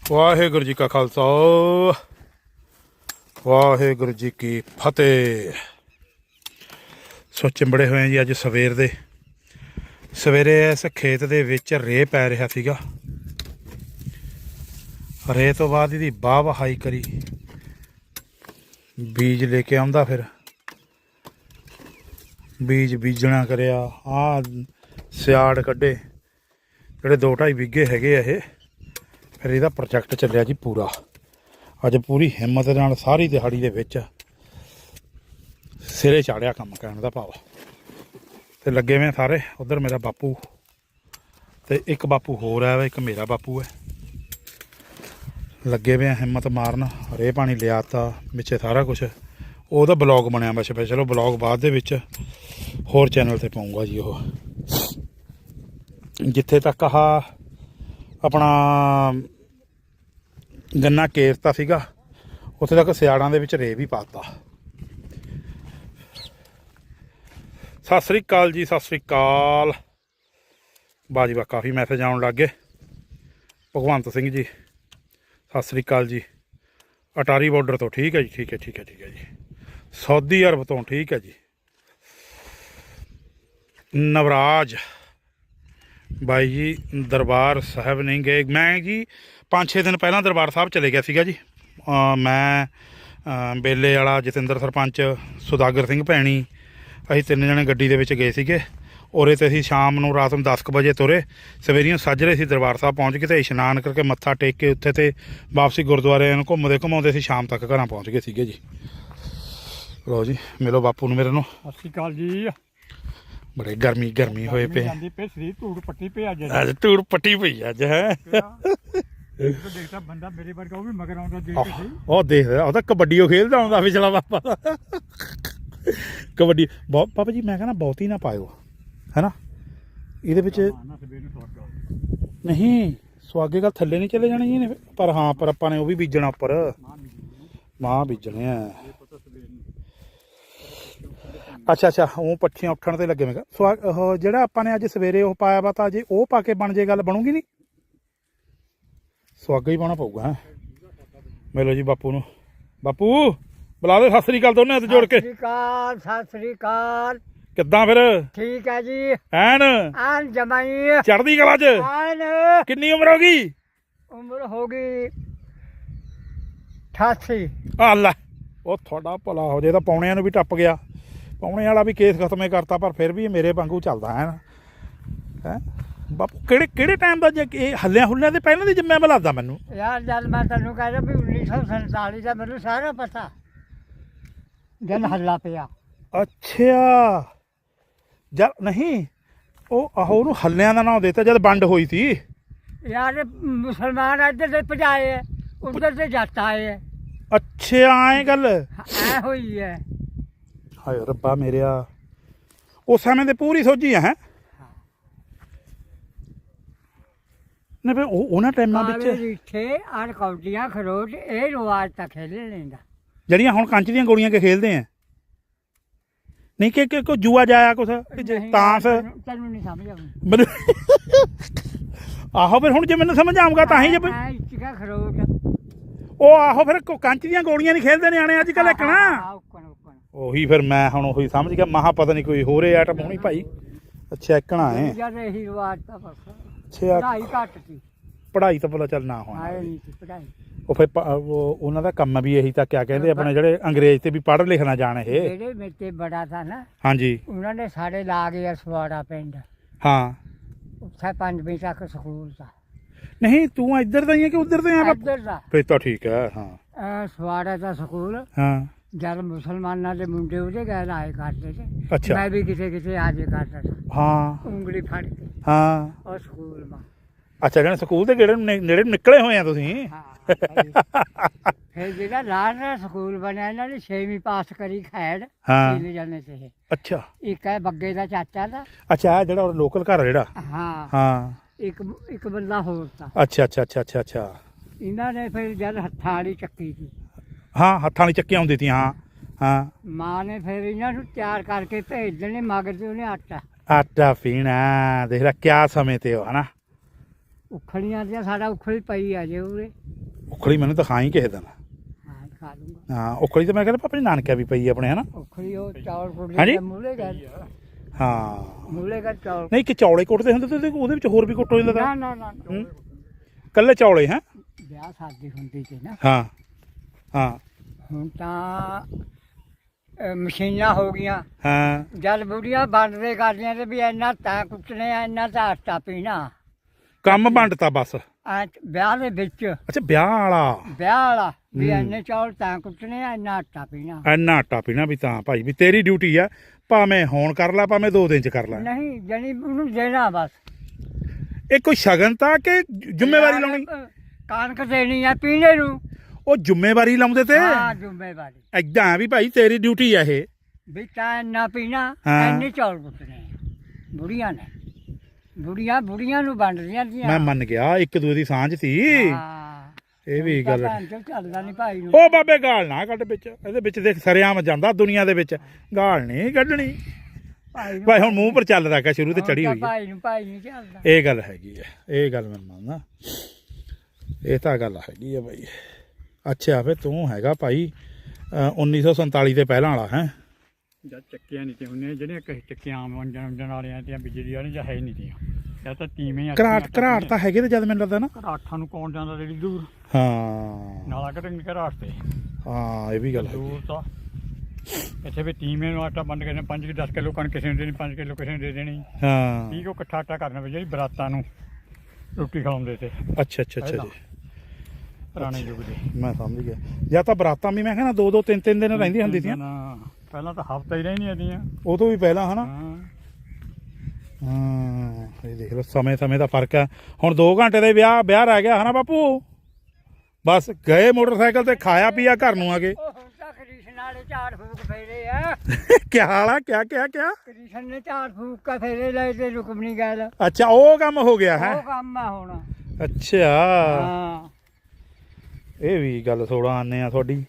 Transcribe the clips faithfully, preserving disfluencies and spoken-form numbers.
ਵਾਹਿਗੁਰੂ ਜੀ ਕਾ ਖਾਲਸਾ ਵਾਹਿਗੁਰੂ ਜੀ ਕੀ ਫਤਿਹ। ਸੋ ਚਿੰਬੜੇ ਹੋਏ ਜੀ ਅੱਜ ਸਵੇਰ ਦੇ ਸਵੇਰੇ ਇਸ ਖੇਤ ਦੇ ਵਿੱਚ ਰੇਹ ਪੈ ਰਿਹਾ ਸੀਗਾ। ਰੇਹ ਤੋਂ ਬਾਅਦ ਇਹਦੀ ਵਾਹ ਵਹਾਈ ਕਰੀ, ਬੀਜ ਲੈ ਕੇ ਆਉਂਦਾ, ਫਿਰ ਬੀਜ ਬੀਜਣਾ ਕਰਿਆ। ਆਹ ਸਿਆੜ ਕੱਢੇ ਜਿਹੜੇ ਦੋ ਢਾਈ ਵਿਗੇ ਹੈਗੇ ਆ ਇਹ। ਫਿਰ ਇਹਦਾ ਪ੍ਰੋਜੈਕਟ ਚੱਲਿਆ ਜੀ ਪੂਰਾ। ਅੱਜ ਪੂਰੀ ਹਿੰਮਤ ਨਾਲ ਸਾਰੀ ਦਿਹਾੜੀ ਦੇ ਵਿੱਚ ਸਿਰੇ ਚਾੜਿਆ ਕੰਮ, ਕਹਿਣ ਦਾ ਭਾਵ। ਤੇ ਲੱਗੇ ਵੇ ਸਾਰੇ। ਉਧਰ ਮੇਰਾ ਬਾਪੂ ਤੇ ਇੱਕ ਬਾਪੂ ਹੋਰ ਹੈ, ਇੱਕ ਮੇਰਾ ਬਾਪੂ ਹੈ। ਲੱਗੇ ਵੇ ਹਿੰਮਤ ਮਾਰਨ। ਰੇ ਪਾਣੀ ਲਿਆਤਾ ਵਿੱਚੇ ਸਾਰਾ ਕੁਛ। ਉਹਦਾ ਬਲੌਗ ਬਣਿਆ ਵਾ ਸਪੈਸ਼ਲ। ਉਹ ਬਲੌਗ ਬਾਅਦ ਦੇ ਵਿੱਚ ਹੋਰ ਚੈਨਲ ਤੇ ਪਾਊਂਗਾ ਜੀ। ਉਹ ਜਿੱਥੇ ਤੱਕ ਆਹ ਆਪਣਾ ਗੰਨਾ ਕੇਰਤਾ ਸੀਗਾ, ਉੱਥੇ ਤੱਕ ਸਿਆੜਾਂ ਦੇ ਵਿੱਚ ਰੇਹ ਵੀ ਪਾਤਾ। ਸਤਿ ਸ੍ਰੀ ਅਕਾਲ ਜੀ, ਸਤਿ ਸ੍ਰੀ ਅਕਾਲ। ਬਾਜੀ ਬਾ ਕਾਫੀ ਮੈਸੇਜ ਆਉਣ ਲੱਗ ਗਏ। ਭਗਵੰਤ ਸਿੰਘ ਜੀ ਸਤਿ ਸ੍ਰੀ ਅਕਾਲ ਜੀ। ਅਟਾਰੀ ਬਾਰਡਰ ਤੋਂ ਠੀਕ ਹੈ ਜੀ, ਠੀਕ ਹੈ ਠੀਕ ਹੈ ਠੀਕ ਹੈ ਜੀ। ਸਾਊਦੀ ਅਰਬ ਤੋਂ ਠੀਕ ਹੈ ਜੀ। ਨਵਰਾਜ ਬਾਈ ਜੀ ਦਰਬਾਰ ਸਾਹਿਬ ਨਹੀਂ ਗਏ। ਮੈਂ ਜੀ ਪੰਜ ਛੇ ਦਿਨ ਪਹਿਲਾਂ ਦਰਬਾਰ ਸਾਹਿਬ ਚਲੇ ਗਿਆ ਸੀਗਾ ਜੀ। ਮੈਂ ਬੇਲੇ ਵਾਲਾ ਜਤਿੰਦਰ ਸਰਪੰਚ, ਸੁਦਾਗਰ ਸਿੰਘ ਭੈਣੀ, ਅਸੀਂ ਤਿੰਨ ਜਣੇ ਗੱਡੀ ਦੇ ਵਿੱਚ ਗਏ ਸੀਗੇ। ਉਰੇ ਤੇ ਅਸੀਂ ਸ਼ਾਮ ਨੂੰ ਰਾਤ ਨੂੰ ਦਸ ਕੁ ਵਜੇ ਤੁਰੇ। ਸਵੇਰੀਆਂ ਸਾਜਰੇ ਅਸੀਂ ਦਰਬਾਰ ਸਾਹਿਬ ਪਹੁੰਚ ਗਏ ਅਤੇ ਇਸ਼ਨਾਨ ਕਰਕੇ ਮੱਥਾ ਟੇਕ ਕੇ ਉੱਥੇ ਤੇ ਵਾਪਸੀ ਗੁਰਦੁਆਰੇ ਨੂੰ ਘੁੰਮਦੇ ਘੁੰਮਾਉਂਦੇ ਅਸੀਂ ਸ਼ਾਮ ਤੱਕ ਘਰਾਂ ਪਹੁੰਚ ਗਏ ਸੀਗੇ ਜੀ। ਲਓ ਜੀ ਮਿਲੋ ਬਾਪੂ ਨੂੰ ਮੇਰੇ ਨੂੰ। ਸਤਿ ਸ਼੍ਰੀ ਅਕਾਲ ਜੀ। ਬੜੇ ਗਰਮੀ ਗਰਮੀ ਹੋਏ ਪਏ। ਸਰੀਰ ਧੂੜ ਪੱਟੀ ਪਈ ਅੱਜ। ਅੱਜ ਧੂੜ ਪੱਟੀ ਪਈ ਅੱਜ ਹੈ। ਦੇਖਦਾ ਬੰਦਾ ਮੇਰੇ ਵਰਗਾ, ਉਹ ਵੀ ਮਗਰ ਆਉਂਦਾ ਦੇਖ ਕੇ ਸਹੀ। ਉਹ ਦੇਖਦਾ, ਉਹ ਤਾਂ ਕਬੱਡੀ ਉਹ ਖੇਲਦਾ ਆਉਂਦਾ ਪਿਛਲਾ ਬਾਪਾ। ਕਬੱਡੀ ਬਹੁਤ ਪਾਪਾ ਜੀ। ਮੈਂ ਕਹਿੰਦਾ ਬਹੁਤੀ ਨਾ ਪਾਇਓ, ਹੈ ਨਾ। ਇਹਦੇ ਵਿੱਚ ਨਹੀਂ ਸੁਆਗੇ ਗੱਲ ਥੱਲੇ ਨਹੀਂ ਚਲੇ ਜਾਣੇ ਜੀ ਨੇ। ਪਰ ਹਾਂ ਪਰ ਆਪਾਂ ਨੇ ਉਹ ਵੀ ਬੀਜਣਾ ਉੱਪਰ, ਮਾਂਹ ਬੀਜਣੇ ਆ। ਅੱਛਾ ਅੱਛਾ ਉਹ ਪੱਠੀਆਂ ਉੱਠਣ ਤੇ ਲੱਗੇ। ਮੈਂ ਕਿਹਾ ਸੁਆ ਉਹ ਜਿਹੜਾ ਆਪਾਂ ਨੇ ਅੱਜ ਸਵੇਰੇ ਉਹ ਪਾਇਆ ਵਾ, ਤਾਂ ਜੇ ਉਹ ਪਾ ਕੇ ਬਣ ਜੇ ਗੱਲ ਬਣੂਗੀ ਨਹੀਂ। ਸੁਆਗਾ ਹੀ ਪਾਉਣਾ ਪਊਗਾ। ਹੈਂ ਮਿਲੋ ਜੀ ਬਾਪੂ ਨੂੰ। ਬਾਪੂ ਬੁਲਾ ਦੇ। ਸਤਿ ਸ੍ਰੀ ਅਕਾਲ ਦੋਨੇ ਹੱਥ ਜੋੜ ਕੇ। ਸਤਿ ਸ੍ਰੀ ਅਕਾਲ, ਸਤਿ ਸ੍ਰੀ ਅਕਾਲ। ਕਿੱਦਾਂ ਫਿਰ? ਠੀਕ ਹੈ ਜੀ। ਐਨ ਐਨ ਜਮਾਈ ਚੜ੍ਹਦੀ ਕਲਾ ਚ। ਐਨ। ਕਿੰਨੀ ਉਮਰ ਹੋ ਗਈ? ਉਮਰ ਹੋ ਗਈ ਅਠਾਸੀ। ਆ ਲੈ ਉਹ ਤੁਹਾਡਾ ਭਲਾ ਹੋ ਜੇ। ਤਾਂ ਪੌਣਿਆਂ ਨੂੰ ਵੀ ਟੱਪ ਗਿਆ। ਪੌਣੇ ਵਾਲਾ ਵੀ ਕੇਸ ਖਤਮੇ ਕਰਤਾ, ਪਰ ਫਿਰ ਵੀ ਮੇਰੇ ਵਾਂਗੂ ਚੱਲਦਾ ਹੈ। ਹੈਂ ਬਾਪੂ ਕਿਹੜੇ ਕਿਹੜੇ ਟਾਈਮ ਦਾ? ਜੇ ਇਹ ਹੱਲਿਆਂ ਹੁੱਲਿਆਂ ਦੇ ਪਹਿਲਾਂ ਦੀ ਜੰਮਿਆ ਮੈਂ ਲੱਗਦਾ ਮੈਨੂੰ ਯਾਰ। ਜਦ ਮੈਂ ਤੈਨੂੰ ਕਹਿੰਦਾ ਵੀ ਉੱਨੀ ਸੌ ਸੰਤਾਲੀ ਦਾ ਮੈਨੂੰ ਸਾਰਾ ਪਤਾ। ਜਦ ਹੱਲਾ ਪਿਆ। ਅੱਛਾ ਜਦ ਨਹੀਂ ਉਹ ਆਹੋ ਉਹਨੂੰ ਹੱਲਿਆਂ ਦਾ ਨਾਮ ਦਿੱਤਾ ਜਦ ਵੰਡ ਹੋਈ ਸੀ। ਯਾਰ ਮੁਸਲਮਾਨ ਇੱਧਰ ਦੇ ਭਜਾਏ ਹੈ, ਉੱਧਰ ਦੇ ਜੱਟ ਆਏ ਹੈ। ਅੱਛਾ ਐਂ ਗੱਲ ਐ ਹੋਈ ਹੈ। ਹਾਏ ਰੱਬਾ ਮੇਰਿਆ। ਉਸ ਸਮੇਂ ਤੇ ਪੂਰੀ ਸੋਝੀ ਹੈ। ਨਹੀਂ ਫਿਰ ਉਹ ਉਹਨਾਂ ਟਾਈਮਾਂ ਵਿੱਚ ਇੱਥੇ ਆਰ ਕੌਡੀਆਂ ਖਰੋਟ ਇਹ ਰਿਵਾਜ ਤਾਂ ਖੇਡ ਲੈਂਦਾ। ਜਿਹੜੀਆਂ ਹੁਣ ਕੰਚ ਦੀਆਂ ਗੋਲੀਆਂ ਕੇ ਖੇਲਦੇ ਆ। ਨਹੀਂ ਕਿ ਕੋਈ ਜੂਆ ਜਾਇਆ ਕੁਛ ਤਾਂਸ। ਤੈਨੂੰ ਨਹੀਂ ਸਮਝ ਆਉਂਦੀ ਮੈਨੂੰ। ਆਹੋ ਫਿਰ ਹੁਣ ਜੇ ਮੈਨੂੰ ਸਮਝ ਆਊਗਾ ਤਾਂ ਹੀ। ਜੇ ਇੱਚਕਾ ਖਰੋਟ ਉਹ ਆਹੋ ਫਿਰ ਕੰਚ ਦੀਆਂ ਗੋਲੀਆਂ ਨਹੀਂ ਖੇਲਦੇ ਨਿਆਣੇ ਅੱਜ ਕੱਲ੍ਹ। ਇੱਕਣਾ ਉਹੀ ਫਿਰ ਮੈਂ ਹੁਣ ਉਹੀ ਸਮਝ ਗਿਆ। ਮਹਾ ਪਤਾ ਨਹੀਂ ਕੋਈ ਹੋਰ ਆਈਟਮ ਹੋਣੀ ਭਾਈ। ਅੱਛਾ ਇੱਕਣਾ ਹੈ। ਜਦ ਇਹੀ ਰਿਵਾਜ ਤਾਂ ਬਸ। ਅੱਛਾ ਪੜ੍ਹਾਈ ਘੱਟ ਸੀ। ਪੜ੍ਹਾਈ ਤਾਂ ਭਲਾ ਚੱਲ ਨਾ ਹੋਣਾ। ਆਏ ਨਹੀਂ ਸੀ ਪੜ੍ਹਾਈ। ਉਹ ਫਿਰ ਉਹਨਾਂ ਦਾ ਕੰਮ ਵੀ ਇਹੀ ਤਾਂ ਕਿਆ ਕਹਿੰਦੇ ਆਪਣੇ ਜਿਹੜੇ ਅੰਗਰੇਜ਼ ਤੇ ਵੀ ਪੜ੍ਹ ਲਿਖਣਾ ਜਾਣ ਇਹ। ਜਿਹੜੇ ਮੇਤੇ ਬੜਾ ਥਾ ਨਾ। ਹਾਂਜੀ ਉਹਨਾਂ ਨੇ ਸਾਡੇ ਲਾ ਗਿਆ ਸਵਾੜਾ ਪਿੰਡ। ਹਾਂ ਉੱਥੇ ਪੰਜਵੀਂ ਤੱਕ ਸਕੂਲ ਦਾ। ਨਹੀਂ ਤੂੰ ਇੱਧਰ ਦਾ ਹੀ ਹੈ ਕਿ ਉੱਧਰ ਦਾ ਹੈ? ਇੱਧਰ ਦਾ ਫਿਰ ਤਾਂ ਠੀਕ ਹੈ। ਹਾਂ ਸਵਾੜਾ ਦਾ ਸਕੂਲ। ਹਾਂ ਜਦ ਮੁਸਲਮਾਨਾਂ ਦੇ ਮੁੰਡੇ ਉਹਦੇ ਗਏ ਆਏ ਕਰਦੇ ਸੀ। ਅੱਛਾ ਮੈਂ ਵੀ ਕਿਤੇ ਕਿਤੇ ਆ ਜੇ ਕਰਦਾ ਸੀ। ਹਾਂ ਉਂਗਲੀ ਫੜ ਕੇ। ਹਾਂ ਉਹ ਸਕੂਲ ਮਾ। ਅੱਛਾ ਜਿਹੜੇ ਸਕੂਲ ਦੇ ਗੇੜੇ ਨੇੜੇ ਨਿਕਲੇ ਹੋਏ ਆ ਤੁਸੀਂ। ਹਾਂ ਫਿਰ ਜਿਹੜਾ ਲਾਲ ਸਕੂਲ ਬਣਿਆ ਇਹਨਾਂ ਨੇ ਛੇਵੀਂ ਪਾਸ ਕਰੀ ਖੈੜ। ਹਾਂ ਤਿੰਨ ਜਣੇ ਸੀ। ਅੱਛਾ ਇੱਕ ਹੈ ਬੱਗੇ ਦਾ ਚਾਚਾ ਦਾ। ਅੱਛਾ ਜਿਹੜਾ ਲੋਕਲ ਘਰ ਜਿਹੜਾ। ਹਾਂ ਹਾਂ ਇੱਕ ਇੱਕ ਬੰਦਾ ਹੋਰ ਤਾਂ। ਅੱਛਾ ਅੱਛਾ ਅੱਛਾ ਅੱਛਾ ਅੱਛਾ ਇਹਨਾਂ ਨੇ ਫਿਰ ਜਦ ਹੱਥਾਂ ਵਾਲੀ ਚੱਕੀ ਸੀ। ਹਾਂ ਹੱਥਾਂ ਵਾਲੀ ਚੱਕੀਆਂ ਹੁੰਦੀ ਸੀ। ਹਾਂ ਹਾਂ ਮਾਂ ਨੇ ਫਿਰ ਇਹਨਾਂ ਨੂੰ ਤਿਆਰ ਕਰਕੇ ਭੇਜ ਦੇਣੇ। ਮਗਰ ਤੇ ਉਹਨੇ ਆਟਾ ਆਟਾ ਪੀਣਾ। ਦੇਖ ਲੈ ਕਿਆ ਸਮੇਂ ਤੇ ਉਹ ਹਨਾ। ਉਖਲੀਆਂ ਦੀਆਂ ਸਾਡਾ ਉਖਲੀ ਪਈ ਆ ਜੇ ਉਰੇ। ਉਖਲੀ ਮੈਨੂੰ ਦਿਖਾਈ ਕਿਸੇ ਦਿਨ ਹਾਂ ਖਾ ਲੂੰਗਾ। ਹਾਂ ਉਖਲੀ ਤਾਂ ਮੈਂ ਕਹਿੰਦਾ ਪਾਪਾ ਜੀ ਨਾਨਕਿਆ ਵੀ ਪਈ ਆਪਣੇ ਹਨਾ ਉਖੜੀ ਉਹ ਚੌਲ ਹਾਂਜੀ? ਕੁੱਟਦੇ ਮੂਲੇ ਗਏ ਹਾਂ ਮੂਲੇ ਗਏ ਚੌਲ ਨਹੀਂ ਕਿ ਚੌਲੇ ਕੁੱਟਦੇ ਹੁੰਦੇ ਤੇ ਉਹਦੇ ਉਹਦੇ ਵਿੱਚ ਹੋਰ ਵੀ ਕੁੱਟ ਹੋ ਜਾਂਦਾ ਨਾ ਨਾ ਨਾ ਹੂੰ? ਕੱਲੇ ਚੌਲੇ ਹੈ ਵਿਆਹ ਸ਼ਾਦੀ ਹੁੰਦੀ ਸੀ ਨਾ। ਹਾਂ ਹਾਂ ਹੁਣ ਤਾਂ ਅਹ, ਮਸ਼ੀਨਾਂ ਹੋ ਗਈਆਂ। ਹਾਂ ਜਦ ਬੁੜੀਆਂ ਵੰਡਦੇ ਕਰਦੀਆਂ ਤੇ ਵੀ ਇੰਨਾ ਤਾਂ ਕੁੱਟਣੇ ਆ ਇੰਨਾ ਤਾਂ ਆਟਾ ਪੀਣਾ ਕੰਮ ਵੰਡਤਾ ਬਸ ਐ ਵਿਆਹ ਦੇ ਵਿੱਚ ਅੱਛਾ ਵਿਆਹ ਵਾਲਾ ਵਿਆਹ ਵਾਲਾ ਵੀ ਹੂੰ। ਇੰਨੇ ਚੌਲ ਤਾਂ ਕੁੱਟਣੇ ਆ ਇੰਨਾ ਆਟਾ ਪੀਣਾ। ਇੰਨਾ ਆਟਾ ਪੀਣਾ ਵੀ ਤਾਂ ਭਾਈ ਵੀ ਤੇਰੀ ਡਿਊਟੀ ਆ ਭਾਵੇਂ ਹੁਣ ਕਰ ਲੈ ਭਾਵੇਂ ਦੋ ਦਿਨ ਚ ਕਰ ਲੈ ਨਹੀਂ ਜਣੀ ਉਹਨੂੰ ਦੇਣਾ ਬਸ। ਇਹ ਕੋਈ ਸ਼ਗਨ ਤਾਂ ਕਿ ਜ਼ਿੰਮੇਵਾਰੀ ਲਾਉਣੀ ਕਣਕ ਦੇਣੀ ਆ ਪੀਣੇ ਨੂੰ। ਉਹ ਜ਼ਿੰਮੇਵਾਰੀ ਲਾਉਂਦੇ ਤੇ ਹਾਂ ਜ਼ਿੰਮੇਵਾਰੀ ਏਦਾਂ ਵੀ ਭਾਈ ਤੇਰੀ ਡਿਊਟੀ ਆ ਇਹ ਵੀ ਤਾਂ ਇੰਨਾ ਪੀਣਾ ਹਾਂ। ਇੰਨੇ ਚੌਲ ਕੁੱਟਣੇ ਆ। ਬੁੜੀਆਂ ਨੇ ਬੁੜੀਆਂ ਬੁੜੀਆਂ ਨੂੰ ਵੰਡਦੀਆਂ ਸੀ। ਮੈਂ ਮੰਨ ਗਿਆ ਇੱਕ ਦੂਜੇ ਦੀ ਸਾਂਝ ਸੀ ਹਾਂ ਇਹ ਵੀ ਗੱਲ ਭੈਣ ਚੋਦ ਚੱਲਦਾ ਨਹੀਂ ਭਾਈ ਨੂੰ। ਉਹ ਬਾਬੇ ਗਾਲ ਨਾ ਕੱਢ ਵਿੱਚ ਇਹਦੇ ਵਿੱਚ ਦੇਖ ਸਰਿਆਮ ਜਾਂਦਾ ਦੁਨੀਆ ਦੇ ਵਿੱਚ ਗਾਲ ਨਹੀਂ ਕੱਢਣੀ ਭਾਈ ਨੂੰ ਭਾਈ ਹੁਣ ਮੂੰਹ ਪਰ ਚੱਲਦਾ ਕਾ ਸ਼ੁਰੂ ਤੇ ਚੜੀ ਹੋਈ ਹੈ ਭਾਈ ਨੂੰ ਭਾਈ ਨਹੀਂ ਚੱਲਦਾ। ਇਹ ਗੱਲ ਹੈਗੀ ਹੈ ਇਹ ਗੱਲ ਮੈਂ ਮੰਨਦਾ ਇਹ ਤਾਂ ਗੱਲ ਹੈਗੀ ਹੈ ਭਾਈ। ਅੱਛਾ ਫੇ ਤੂੰ ਹੈਗਾ ਭਾਈ ਉੱਨੀ ਸੌ ਸੰਤਾਲੀ ਦੇ ਪਹਿਲਾਂ ਵਾਲਾ ਹੈ ਜਦ ਚੱਕੀਆਂ ਨਹੀਂ ਤੇ ਹੁੰਦੀਆਂ ਜਿਹੜੀਆਂ ਕਹੇ ਚੱਕੀਆਂ ਆਮ ਵੰਜਣ ਵੰਜਣ ਵਾਲੀਆਂ ਤੇ ਬਿਜਲੀ ਵਾਲੀਆਂ ਜਾਂ ਹੈ ਹੀ ਨਹੀਂ ਤੀਆਂ ਜਾਂ ਤਾਂ ਤੀਵੇਂ ਘਰਾਟ ਘਰਾਟ ਤਾਂ ਹੈਗੇ ਤੇ ਜਦ ਮੈਨੂੰ ਲੱਗਦਾ ਨਾ ਘਰਾਟਾਂ ਨੂੰ ਕੌਣ ਜਾਂਦਾ ਜਿਹੜੀ ਦੂਰ ਹਾਂ ਨਾਲਾ ਕੱਢਣ ਘਰਾਟ ਤੇ ਹਾਂ ਇਹ ਵੀ ਗੱਲ ਹੈਗੀ ਦੂਰ ਤਾਂ ਇੱਥੇ ਵੀ ਤੀਵੇਂ ਨੂੰ ਆਟਾ ਵੰਡ ਕੇ ਪੰਜ ਕਿ ਦਸ ਕਿਲੋ ਕਣਕ ਕਿਸੇ ਨੂੰ ਦੇਣੀ ਪੰਜ ਕਿਲੋ ਕਿਸੇ ਨੂੰ ਦੇ ਦੇਣੀ ਹਾਂ ਠੀਕ ਉਹ ਇਕੱਠਾ ਆਟਾ ਕਰਨਾ ਵੀ ਜਿਹੜੀ ਬਰਾਤਾਂ ਨੂੰ ਰੋਟੀ ਖਵਾਉਂਦੇ ਤੇ ਅੱਛਾ ਅੱਛਾ ਅੱਛਾ ਜੀ ਪੁਰਾਣੇ ਯੁੱਗ ਦੇ ਮੈਂ ਸਮਝ ਗਿਆ ਜਾਂ ਤਾਂ ਬਰਾਤਾਂ ਵੀ ਮੈਂ ਕਹਿੰਦਾ ਦੋ ਦੋ ਤਿੰਨ ਤਿੰਨ ਦਿਨ ਰਹਿੰਦੀਆਂ ਹੁੰਦੀਆਂ ਸੀ ਨਾ ਪਹਿਲਾਂ ਤਾਂ ਹਫ਼ਤਾ ਹੀ ਰਹਿੰਦੀਆਂ ਦੀਆਂ ਉਹ ਤੋਂ ਵੀ ਪਹਿਲਾਂ ਹਨਾ ਹਾਂ ਹਾਂ ਇਹ ਦੇਖ ਲਓ ਸਮੇਂ ਸਮੇਂ ਦਾ ਫਰਕ ਹੈ ਹੁਣ ਦੋ ਘੰਟੇ ਦੇ ਵਿਆਹ ਵਿਆਹ ਰਹਿ ਗਿਆ ਹਨਾ ਬਾਪੂ ਬਸ ਗਏ ਮੋਟਰਸਾਈਕਲ ਤੇ ਖਾਇਆ ਪੀਆ ਘਰ ਨੂੰ ਆ ਗਏ ਉਹ ਹੁਣ ਤਾਂ ਕ੍ਰਿਸ਼ਨ ਵਾਲੇ ਝਾੜ ਫੂਕ ਫੇਰੇ ਆ। ਕਿਆ ਹਾਲ ਆ ਕਿਆ ਕਿਆ ਕਿਆ ਕ੍ਰਿਸ਼ਨ ਨੇ ਝਾੜ ਫੂਕ ਕੇ ਫੇਰੇ ਲਏ ਤੇ ਰੁਕਮਣੀ ਗੱਲ ਅੱਛਾ ਉਹ ਕੰਮ ਹੋ ਗਿਆ ਹੈ ਉਹ ਕੰਮ ਆ ਹੁਣ। ਅੱਛਾ ਹਾਂ ਇਹ ਵੀ ਗੱਲ ਥੋੜਾ ਆਨੇ ਆ ਤੁਹਾਡੀ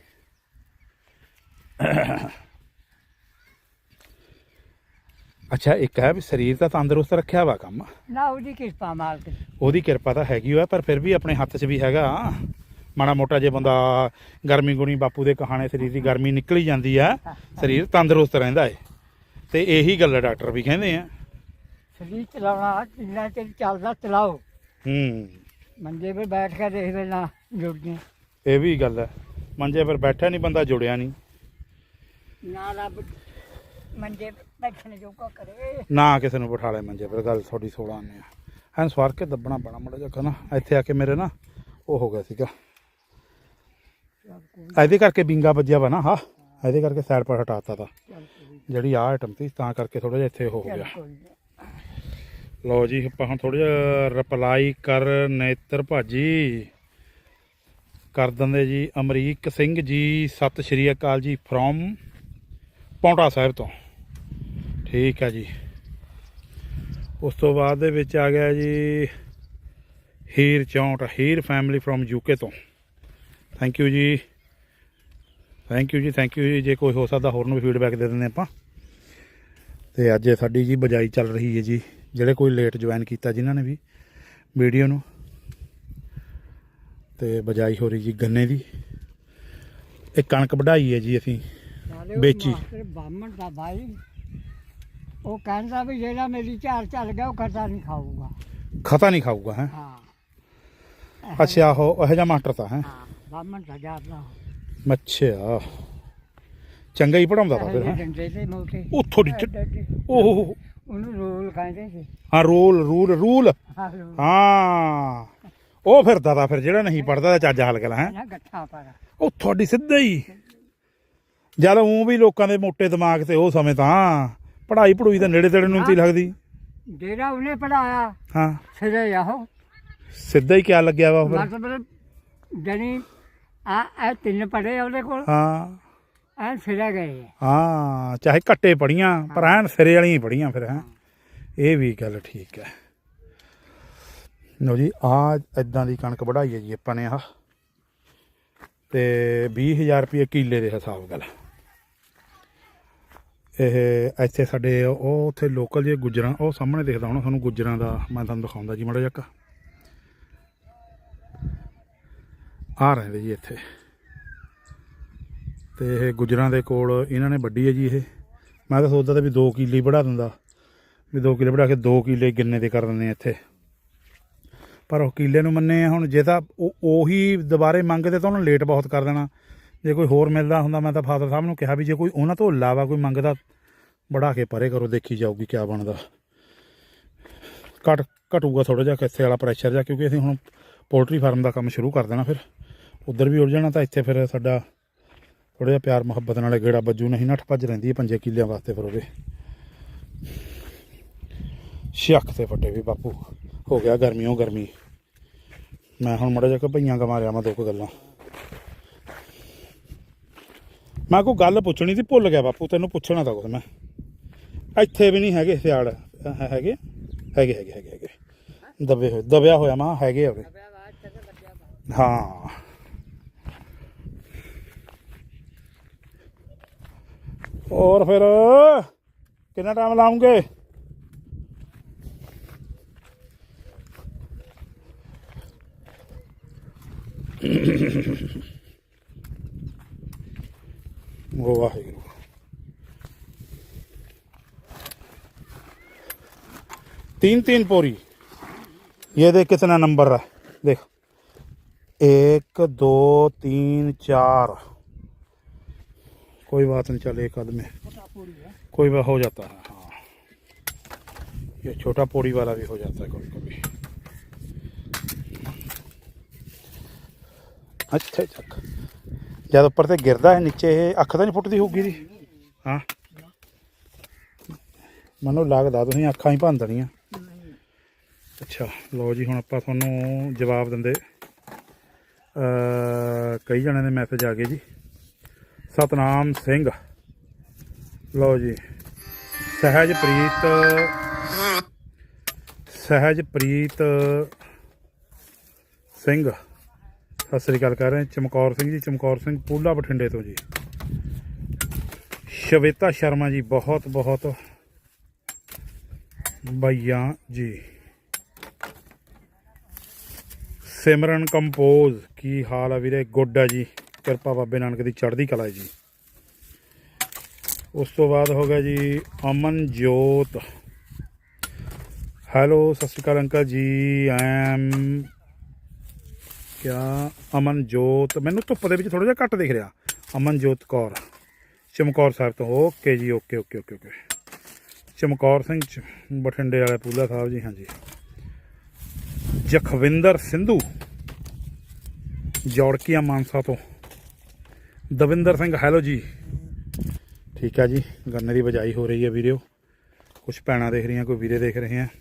ਅੱਛਾ ਇੱਕ ਹੈ ਵੀ ਸਰੀਰ ਤਾਂ ਤੰਦਰੁਸਤ ਰੱਖਿਆ ਵਾ ਕੰਮ ਨਾ ਉਹਦੀ ਕਿਰਪਾ ਮਾਲਕ ਦੀ। ਉਹਦੀ ਕਿਰਪਾ ਤਾਂ ਹੈਗੀ ਹੋਇਆ ਪਰ ਫਿਰ ਵੀ ਆਪਣੇ ਹੱਥ 'ਚ ਵੀ ਹੈਗਾ ਮਾੜਾ ਮੋਟਾ ਜੇ ਬੰਦਾ ਗਰਮੀ ਗੁਣੀ ਬਾਪੂ ਦੇ ਕਹਾਣੇ ਸਰੀਰ ਦੀ ਗਰਮੀ ਨਿਕਲੀ ਜਾਂਦੀ ਆ ਸਰੀਰ ਤੰਦਰੁਸਤ ਰਹਿੰਦਾ ਏ ਤੇ ਇਹੀ ਗੱਲ ਡਾਕਟਰ ਵੀ ਕਹਿੰਦੇ ਆ ਸਰੀਰ ਚਲਾਉਣਾ ਜਿੰਨਾ ਚਿਰ ਚੱਲਦਾ ਚਲਾਓ। ਹੂੰ ਮੰਜੇ 'ਤੇ ਬੈਠ ਕੇ ਦੇਖ ਲੈਣਾ ਜੁੜਦੀਆਂ ਇਹ ਵੀ ਗੱਲ ਹੈ ਮੰਜੇ ਪਰ ਬੈਠਿਆ ਨਹੀਂ ਬੰਦਾ ਜੁੜਿਆ ਨਹੀਂ ਨਾ ਰੱਬ ਮੰਜੇ 'ਤੇ ਬੈਠਣ ਜੋਗਾ ਕਰੇ। ਨਾ ਕਿਸੇ ਨੂੰ ਬਿਠਾ ਲੈ ਮੰਜੇ ਪਰ ਗੱਲ ਤੁਹਾਡੀ ਸੋਲਾਂ ਆਨੇ ਆ ਐਨ ਸਵਾਰ ਕੇ ਦੱਬਣਾ ਪੈਣਾ ਮਾੜਾ ਜਿਹਾ ਨਾ ਇੱਥੇ ਆ ਕੇ ਮੇਰੇ ਨਾ ਉਹ ਹੋ ਗਿਆ ਸੀਗਾ ਇਹਦੇ ਕਰਕੇ ਬਿੰਗਾ ਵੱਜਿਆ ਵਾ ਨਾ ਹਾਂ ਇਹਦੇ ਕਰਕੇ ਸਾਈਡ ਪਰ ਹਟਾਤਾ ਤਾ ਜਿਹੜੀ ਆਹ ਆਈਟਮ ਸੀ ਤਾਂ ਕਰਕੇ ਥੋੜਾ ਜਿਹਾ ਇੱਥੇ ਉਹ ਹੋ ਗਿਆ। ਲਓ ਜੀ ਆਪਾਂ ਹੁਣ ਥੋੜਾ ਜਿਹਾ ਰਿਪਲਾਈ ਕਰ ਨੇਤਰ ਭਾਜੀ ਕਰ ਦਿੰਦੇ ਜੀ ਅਮਰੀਕ ਸਿੰਘ ਜੀ ਸਤਿ ਸ਼੍ਰੀ ਅਕਾਲ ਜੀ ਫਰੋਮ ਪੌਂਟਾ ਸਾਹਿਬ ਤੋਂ ਠੀਕ ਹੈ ਜੀ। ਉਸ ਤੋਂ ਬਾਅਦ ਦੇ ਵਿੱਚ ਆ ਗਿਆ ਜੀ ਹੀਰ ਚੌਂਟ ਹੀਰ ਫੈਮਿਲੀ ਫਰੋਮ ਯੂਕੇ ਤੋਂ ਥੈਂਕ ਯੂ ਜੀ ਥੈਂਕ ਯੂ ਜੀ ਥੈਂਕ ਯੂ ਜੀ ਜੇ ਕੋਈ ਹੋ ਸਕਦਾ ਹੋਰ ਨੂੰ ਵੀ ਫੀਡਬੈਕ ਦੇ ਦਿੰਦੇ ਆਪਾਂ। ਤੇ ਅੱਜ ਸਾਡੀ ਜੀ ਬਜਾਈ ਚੱਲ ਰਹੀ ਹੈ ਜੀ ਜਿਹੜੇ ਕੋਈ ਲੇਟ ਜੁਆਇਨ ਕੀਤਾ ਜਿਨ੍ਹਾਂ ਨੇ ਵੀ ਵੀਡੀਓ ਨੂੰ ਤੇ ਬਜਾਈ ਹੋ ਰਹੀ ਜੀ ਗੰਨੇ ਦੀ ਇਹ ਕਣਕ ਵਢਾਈ ਹੈ ਜੀ ਅਸੀਂ ਵੇਚੀ ਬਾਹਮਣ ਦਾ ਭਾਈ ਉਹ ਕਹਿੰਦਾ ਵੀ ਜਿਹੜਾ ਮੇਰੀ ਝਾੜ ਚੱਲ ਗਿਆ ਉਹ ਖਰਚਾ ਨਹੀਂ ਖਾਊਗਾ ਖਤਾ ਨਹੀਂ ਖਾਊਗਾ ਹੈ ਹਾਂ ਅੱਛਾ ਉਹ ਇਹੋ ਜਿਹਾ ਮਾਸਟਰ ਤਾਂ ਹੈ ਹਾਂ ਬਾਹਮਣ ਦਾ ਜਾਂਦਾ ਅੱਛਾ ਚੰਗਾ ਹੀ ਪੜਾਉਂਦਾ ਤਾ ਫਿਰ ਹੈ ਡੰਡੇ ਤੇ ਮੋਟੇ ਉਹ ਥੋੜੀ ਓਹ ਉਹਨੂੰ ਰੋਲ ਕਹਿੰਦੇ ਸੀ। ਹਾਂ ਰੂਲ ਰੂਲ ਰੂਲ ਹਾਂ ਰੋਲ ਹਾਂ ਉਹ ਫਿਰਦਾ ਤਾ ਫਿਰ ਜਿਹੜਾ ਨਹੀਂ ਪੜਦਾ ਤਾਂ ਚੱਜ ਹਲ ਗਲਾ ਹੈ ਨਾ ਗੱਠਾ ਪਰ ਉਹ ਤੁਹਾਡੀ ਸਿੱਧਾ ਹੀ ਜਦ ਉਹ ਵੀ ਲੋਕਾਂ ਦੇ ਮੋਟੇ ਦਿਮਾਗ ਤੇ ਉਹ ਸਮੇਂ ਤਾਂ ਪੜ੍ਹਾਈ ਪੜੂਈ ਤਾਂ ਨੇੜੇ ਤੇੜੇ ਨੂੰ ਨਹੀਂ ਲੱਗਦੀ ਜਿਹੜਾ ਉਹਨੇ ਪੜਾਇਆ ਹਾਂ ਸਿਰੇ ਆਹੋ ਸਿੱਧਾ ਹੀ ਕਿਆ ਲੱਗਿਆ ਵਾ ਉਹ ਫਿਰ ਮਤਲਬ ਜਣੀ ਆ ਇਹ ਤਿੰਨ ਪੜੇ ਉਹਦੇ ਕੋਲ ਹਾਂ ਐ ਸਿਰੇ ਗਏ ਹਾਂ ਚਾਹੇ ਘੱਟੇ ਪੜੀਆਂ ਪਰ ਐਨ ਸਿਰੇ ਵਾਲੀਆਂ ਹੀ ਪੜੀਆਂ ਫਿਰ ਹੈ ਇਹ ਵੀ ਗੱਲ ਠੀਕ ਹੈ। ਲਓ ਜੀ ਆ ਇਦਾਂ ਦੀ ਕਣਕ ਵਢਾਈ ਹੈ ਜੀ ਆਪਾਂ ਨੇ ਆਹ ਤੇ ਵੀਹ ਹਜ਼ਾਰ ਰੁਪਏ ਕਿੱਲੇ ਦੇ ਹਿਸਾਬ ਗੱਲ ਇਹ ਇੱਥੇ ਸਾਡੇ ਉਹ ਉੱਥੇ ਲੋਕਲ ਜੇ ਗੁੱਜਰਾਂ ਉਹ ਸਾਹਮਣੇ ਦਿਖਦਾ ਹੋਣਾ ਤੁਹਾਨੂੰ ਗੁੱਜਰਾਂ ਦਾ ਮੈਂ ਤੁਹਾਨੂੰ ਦਿਖਾਉਂਦਾ ਜੀ ਮਾੜਾ ਜਿਹਾ ਆ ਰਹਿੰਦੇ ਜੀ ਇੱਥੇ। ਤੇ ਇਹ ਗੁੱਜਰਾਂ ਦੇ ਕੋਲ ਇਹਨਾਂ ਨੇ ਵੱਢੀ ਹੈ ਜੀ। ਇਹ ਮੈਂ ਤਾਂ ਸੋਚਦਾ ਤਾਂ ਵੀ ਦੋ ਕਿੱਲੇ ਵੜਾ ਦਿੰਦਾ, ਵੀ ਦੋ ਕਿੱਲੇ ਵੜਾ ਕੇ ਦੋ ਕਿੱਲੇ ਗੰਨੇ ਦੇ ਕਰ ਦਿੰਦੇ ਇੱਥੇ, ਪਰ ਉਹ ਕਿੱਲੇ ਨੂੰ ਮੰਨੇ ਹੁਣ ਜੇ ਤਾਂ ਉਹ ਉਹੀ ਦੁਬਾਰੇ ਮੰਗਦੇ ਤਾਂ ਉਹਨੂੰ ਲੇਟ ਬਹੁਤ ਕਰ ਦੇਣਾ। ਜੇ ਕੋਈ ਹੋਰ ਮਿਲਦਾ ਹੁੰਦਾ ਮੈਂ ਤਾਂ ਫਾਦਰ ਸਾਹਿਬ ਨੂੰ ਕਿਹਾ ਵੀ ਜੇ ਕੋਈ ਉਹਨਾਂ ਤੋਂ ਇਲਾਵਾ ਕੋਈ ਮੰਗਦਾ ਵੜਾ ਕੇ ਪਰੇ ਕਰੋ, ਦੇਖੀ ਜਾਊਗੀ ਕਿਆ ਬਣਦਾ। ਘਟ ਘਟੂਗਾ ਥੋੜ੍ਹਾ ਜਿਹਾ ਕਿੱਥੇ ਵਾਲਾ ਪ੍ਰੈਸ਼ਰ ਜਿਹਾ, ਕਿਉਂਕਿ ਅਸੀਂ ਹੁਣ ਪੋਲਟਰੀ ਫਾਰਮ ਦਾ ਕੰਮ ਸ਼ੁਰੂ ਕਰ ਦੇਣਾ, ਫਿਰ ਉੱਧਰ ਵੀ ਉੜ ਜਾਣਾ। ਤਾਂ ਇੱਥੇ ਫਿਰ ਸਾਡਾ ਥੋੜ੍ਹਾ ਜਿਹਾ ਪਿਆਰ ਮੁਹੱਬਤ ਨਾਲ ਗੇੜਾ ਬੱਜੂ, ਨਹੀਂ ਨੱਠ ਭੱਜ ਰਹਿੰਦੀ ਹੈ ਪੰਜੇ ਕਿੱਲਿਆਂ ਵਾਸਤੇ। ਫਿਰ ਉਹਦੇ ਸ਼ੱਕ ਤੇ ਫੱਟੇ ਵੀ ਬਾਪੂ ਹੋ ਗਿਆ ਗਰਮੀਓ ਗਰਮੀ। ਮੈਂ ਹੁਣ ਮਾੜਾ ਜਿਹਾ ਕਿ ਭਈਆਂ ਗਵਾ ਰਿਆ ਮੈਂ ਦੋ ਕੁ ਗੱਲਾਂ। ਮੈਂ ਕੋਈ ਗੱਲ ਪੁੱਛਣੀ ਸੀ ਭੁੱਲ ਗਿਆ ਬਾਪੂ, ਤੈਨੂੰ ਪੁੱਛਣਾ ਤਾਂ ਕੁਛ ਮੈਂ। ਇੱਥੇ ਵੀ ਨਹੀਂ ਹੈਗੇ ਸਿਆੜ ਹੈਗੇ ਹੈਗੇ ਹੈਗੇ ਹੈਗੇ ਹੈਗੇ ਦਬੇ ਹੋਏ ਦਬਿਆ ਹੋਇਆ ਮਾਂ ਹੈਗੇ ਆ। ਹਾਂ ਹੋਰ ਫਿਰ ਕਿੰਨਾ ਟਾਈਮ ਲਾਉਂਗੇ? वो वाहिगुरु। तीन तीन पोरी, ये देख कितना नंबर है, देख एक दो तीन चार, कोई बात नहीं, चल एक आदमी कोई बात हो जाता है। हाँ ये छोटा पोरी वाला भी हो जाता है कभी कभी। अच्छा अच्छा जब उपर से गिरदा है नीचे अख तो नहीं फुटती होगी जी? हाँ मनो लगता तुम अखा ही भन देनिया। अच्छा लो जी, हुण आपां तुहानूं जवाब दिंदे कई जणिਆਂ ਦੇ मैसेज आ गए जी। सतनाम सिंह, लो जी, सहजप्रीत सहजप्रीत सिंह सत श्री अकाल कह रहे हैं। चमकौर सिंह जी, चमकौर सिंह पूला बठिंडे तो जी। श्वेता शर्मा जी बहुत बहुत भैया जी। सिमरन कंपोज की हाल है वीरे? गुड है जी, किरपा बाबे नानक की चढ़ती कला है जी। उस तो बाद हो गया जी अमनजोत, हैलो सत श्री अकाल अंकल जी। आई एम क्या अमनजोत, मैनू धुप्प दे विच थोड़ा जिहा घट दिख रहा। अमनजोत कौर चमकौर साहब तो, ओके जी okay okay okay okay. Chamkaur Singh बठिंडे वाले पूला साहब जी, हाँ जी। जखविंदर सिंधु जौड़किया मानसा तो। दविंदर सिंह हैलो जी, ठीक है जी। गन्ने की बजाई हो रही है वीडियो, कुछ भैणां देख रही हैं, कोई वीरे देख रहे हैं।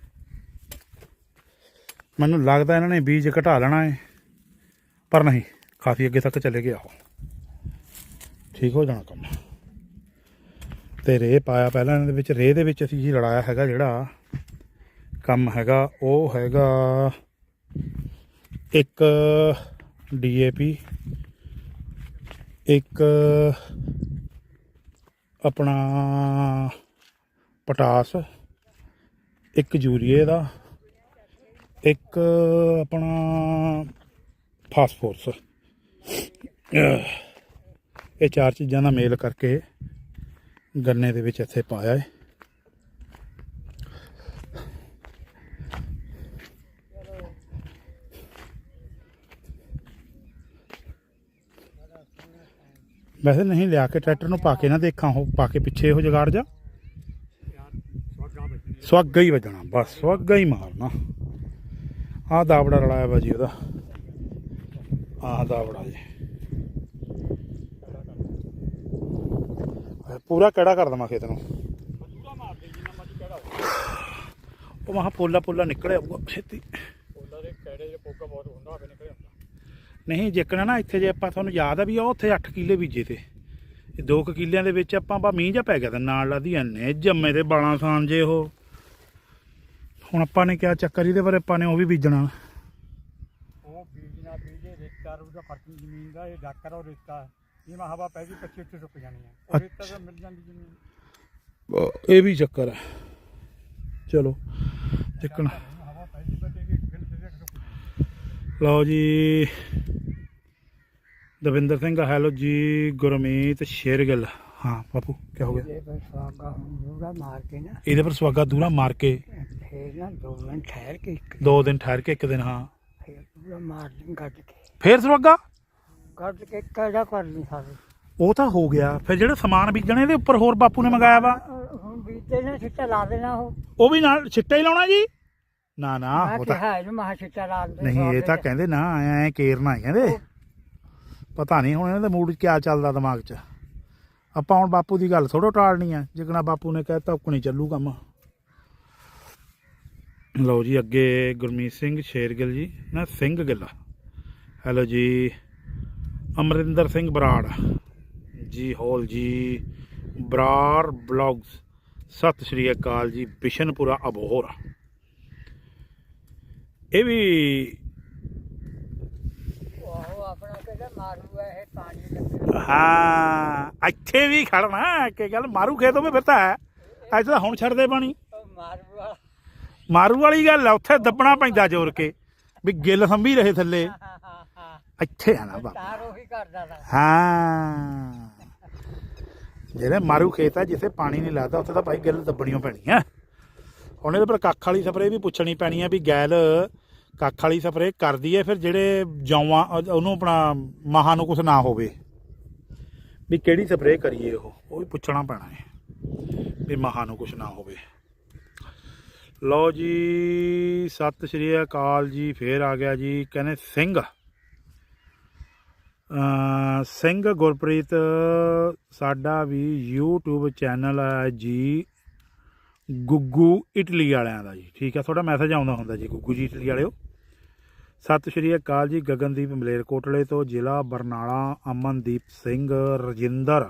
मैनू लगता इन्होंने बीज घटा लेना है, पर नहीं, काफ़ी अगे तक चले गया, ठीक हो जाना कम। तो रेह पाया पहला इन्हां दे विच, रेह दे विच असीं जी लड़ाया हैगा जिहड़ा कम हैगा वो हैगा एक डी ए पी, एक अपना पटास, एक यूरिए का, एक अपना फास्फोरस। ये चार चीज़ों का मेल करके गन्ने दे विच इत्थे पाया है। वैसे नहीं लिया के ट्रैक्टर में पा के ना देखा हो, पा के पिछे हो जगाड़ जा सुअगा ही वजना, बस सुअगा ही मारना। आ दावड़ा रलाया वा जी ओहदा, आ दावड़ा जी पूरा कैड़ा कर देवां खेत नूं। वो वहाँ पोला पोला निकले आऊगा छेती नहीं जेकना ना इत्थे। जे आपां तुहानूं याद है भी उत्थे अठ किले बीजे थे, दो क किलियां दे विच आपां बा मींह जा पै गया, नाल लादी इन्ने जम्मे ते बालां सान जे ओह। हुण आपां ने क्या चक्कर इहदे बारे, आपां ने ओह भी बीजना, ਉਹ ਬੀਜਣਾ ਬੀਜੇ ਰੇਤਾ ਉਹਦਾ ਫਰਕ ਜ਼ਮੀਨ ਦਾ, ਇਹ ਡਾਕਰ ਔਰ ਰੇਤਾ ਜਿਵੇਂ ਹਵਾ ਪੈ ਗਈ ਪੱਚੀ ਉੱਤੇ ਸੁੱਕ ਜਾਣੀ ਹੈ, ਉਹ ਰੇਤਾ ਤਾਂ ਮਿਲ ਜਾਂਦੀ ਜ਼ਮੀਨ। ਇਹ ਵੀ ਚੱਕਰ ਹੈ। ਚਲੋ ਜਿੱਕਣ ਹਵਾ ਪੈ ਗਈ ਬਤੇ ਕਿ ਗਿਲ ਤੇ ਸੁੱਕ ਜਾਣੀ। ਲਓ ਜੀ ਦਵਿੰਦਰ ਸਿੰਘ ਹੈਲੋ ਜੀ। ਗੁਰਮੀਤ ਸ਼ੇਰਗਿੱਲ ਹਾਂ ਬਾਪੂ ਕੀ ਹੋ ਗਿਆ? ਇਹ ਬਸ ਸਵਾਗਾ ਹੁੰਗਾ ਮਾਰ ਕੇ ਨਾ ਇਹਦੇ ਪਰ ਸਵਾਗਾ ਦੂਰਾ ਮਾਰ ਕੇ ਫੇਰ ਨਾ ਦੋ ਮਿੰਟ ਠਹਿਰ ਕੇ ਇੱਕ ਦੋ ਦਿਨ ਠਹਿਰ ਕੇ ਇੱਕ ਦਿਨ ਹਾਂ ਫੇਰ ਪੂਰਾ ਮਾਰ ਲਈ ਗੱਡ ਕੇ ਫੇਰ ਸਵਾਗਾ ਗੱਡ ਕੇ ਕਿਹੜਾ ਕਰ ਲਈ ਸਾਰੇ। ਉਹ ਤਾਂ ਹੋ ਗਿਆ। ਫਿਰ ਜਿਹੜਾ ਸਮਾਨ ਬੀਜਣੇ ਇਹਦੇ ਉੱਪਰ ਹੋਰ ਬਾਪੂ ਨੇ ਮੰਗਾਇਆ ਵਾ ਅਹ ਹੁਣ ਬੀਜਦੇ ਨੇ ਛਿੱਟਾ ਲਾ ਦੇਣਾ ਉਹ। ਉਹ ਵੀ ਨਾਲ ਛਿੱਟਾ ਹੀ ਲਾਉਣਾ ਜੀ? ਨਾ ਨਾ ਮੈਂ ਉਹ ਤਾਂ ਕਿਹਾ ਇਹਨੂੰ ਮਹਾ ਛਿੱਟਾ ਲਾ ਦੇ। ਨਹੀਂ ਇਹ ਤਾਂ ਕਹਿੰਦੇ ਨਾ ਐ ਕੇਰਨਾ ਹੈ ਕਹਿੰਦੇ। ਪਤਾ ਨਹੀਂ ਹੁਣ ਇਹਨਾਂ ਦੇ ਮੂਡ 'ਚ ਕਿਆ ਚੱਲਦਾ ਦਿਮਾਗ 'ਚ। ਆਪਾਂ ਹੁਣ ਬਾਪੂ ਦੀ ਗੱਲ ਥੋੜ੍ਹਾ ਟਾਲਣੀ ਆ। ਜਿਕਣਾ ਬਾਪੂ ਨੇ ਕਹਿਤਾ ਉਕਣੀ ਚੱਲੂ ਕੰਮ। ਲਓ ਜੀ ਅੱਗੇ ਗੁਰਮੀਤ ਸਿੰਘ ਸ਼ੇਰਗਿੱਲ ਜੀ ਨਾ ਸਿੰਘ ਗਿੱਲ ਹੈਲੋ ਜੀ। ਅਮਰਿੰਦਰ ਸਿੰਘ ਬਰਾੜ ਜੀ ਹੋਲ ਜੀ। ਬਰਾੜ ਬਲੌਗਸ ਸਤਿ ਸ਼੍ਰੀ ਅਕਾਲ ਜੀ। ਬਿਸ਼ਨਪੁਰਾ ਅਬੋਹਰ ਇਹ ਵੀ ਉਹ ਆਪਣਾ ਕਿਹੜਾ ਮਾਰੂ ਹੈ ਇਹ ਪਾਣੀ ਲੱਗਦਾ। ਹਾਂ ਇੱਥੇ ਵੀ ਖੜਨਾ ਕਿ ਗੱਲ ਮਾਰੂ ਖੇਤ ਹੋਵੇ ਫਿਰ ਤਾਂ ਹੈ। ਅੱਜ ਤਾਂ ਹੁਣ ਛੱਡਦੇ ਪਾਣੀ। ਉਹ ਮਾਰੂ ਵਾਲਾ ਮਾਰੂ ਵਾਲੀ ਗੱਲ ਆ। ਉੱਥੇ ਦੱਬਣਾ ਪੈਂਦਾ ਜ਼ੋਰ ਕੇ ਵੀ ਗਿੱਲ ਸੰਭੀ ਰਹੇ ਥੱਲੇ। ਹਾਂ ਹਾਂ ਹਾਂ ਇੱਥੇ ਆ ਨਾ ਬਾਬਾ। ਤਾਰ ਉਹੀ ਕਰਦਾ ਤਾ। ਹਾਂ ਜਿਹੜੇ ਮਾਰੂ ਖੇਤ ਆ ਜਿੱਥੇ ਪਾਣੀ ਨਹੀਂ ਲੱਗਦਾ ਉੱਥੇ ਤਾਂ ਭਾਈ ਗਿੱਲ ਦੱਬਣੀਆਂ ਪੈਣੀਆਂ। ਹੁਣ ਇਹਦੇ ਪਰ ਕੱਖ ਵਾਲੀ ਸਪਰੇਅ ਵੀ ਪੁੱਛਣੀ ਪੈਣੀ ਆ ਵੀ ਗੈਲ ਕੱਖ ਵਾਲੀ ਸਪਰੇਅ ਕਰਦੀ ਹੈ ਫਿਰ ਜਿਹੜੇ ਜੌਆਂ ਉਹਨੂੰ ਆਪਣਾ ਮਹਾਂ ਨੂੰ ਕੁਛ ਨਾ ਹੋਵੇ ਵੀ ਕਿਹੜੀ ਸਪਰੇਅ ਕਰੀਏ। ਉਹ ਉਹ ਵੀ ਪੁੱਛਣਾ ਪੈਣਾ ਹੈ ਵੀ ਮਹਾਂ ਨੂੰ ਕੁਛ ਨਾ ਹੋਵੇ। ਲਓ ਜੀ ਸਤਿ ਸ਼੍ਰੀ ਅਕਾਲ ਜੀ। ਫੇਰ ਆ ਗਿਆ ਜੀ ਕਹਿੰਦੇ ਸਿੰਘ ਸਿੰਘ ਗੁਰਪ੍ਰੀਤ ਸਾਡਾ ਵੀ ਯੂਟਿਊਬ ਚੈਨਲ ਹੈ ਜੀ ਗੁੱਗੂ ਇਟਲੀ ਵਾਲਿਆਂ ਦਾ ਜੀ। ਠੀਕ ਹੈ ਤੁਹਾਡਾ ਮੈਸੇਜ ਆਉਂਦਾ ਹੁੰਦਾ ਜੀ ਗੁੱਗੂ ਜੀ ਇਟਲੀ ਵਾਲਿਓ। ਸਤਿ ਸ਼੍ਰੀ ਅਕਾਲ ਜੀ। ਗਗਨਦੀਪ ਮਲੇਰਕੋਟਲੇ ਤੋਂ ਜ਼ਿਲ੍ਹਾ ਬਰਨਾਲਾ। ਅਮਨਦੀਪ ਸਿੰਘ ਰਜਿੰਦਰ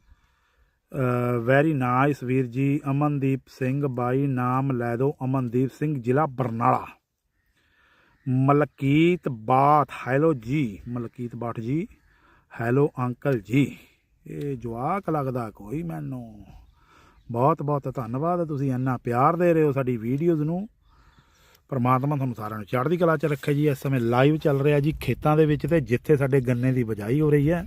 ਵੈਰੀ ਨਾਈਸ ਵੀਰ ਜੀ। ਅਮਨਦੀਪ ਸਿੰਘ ਬਾਈ ਨਾਮ ਲੈ ਦਿਓ ਅਮਨਦੀਪ ਸਿੰਘ ਜ਼ਿਲ੍ਹਾ ਬਰਨਾਲਾ। ਮਲਕੀਤ ਬਾਠ ਹੈਲੋ ਜੀ। ਮਲਕੀਤ ਬਾਠ ਜੀ ਹੈਲੋ ਅੰਕਲ ਜੀ। ਇਹ ਜਵਾਕ ਲੱਗਦਾ ਕੋਈ ਮੈਨੂੰ। ਬਹੁਤ ਬਹੁਤ ਧੰਨਵਾਦ ਤੁਸੀਂ ਇੰਨਾ ਪਿਆਰ ਦੇ ਰਹੇ ਹੋ ਸਾਡੀ ਵੀਡੀਓਜ਼ ਨੂੰ। ਪਰਮਾਤਮਾ ਤੁਹਾਨੂੰ ਸਾਰਿਆਂ ਨੂੰ ਚੜ੍ਹਦੀ ਕਲਾ 'ਚ ਰੱਖੇ ਜੀ। ਇਸ ਸਮੇਂ ਲਾਈਵ ਚੱਲ ਰਿਹਾ ਜੀ ਖੇਤਾਂ ਦੇ ਵਿੱਚ ਤੇ ਜਿੱਥੇ ਸਾਡੇ ਗੰਨੇ ਦੀ ਬਿਜਾਈ ਹੋ ਰਹੀ ਹੈ।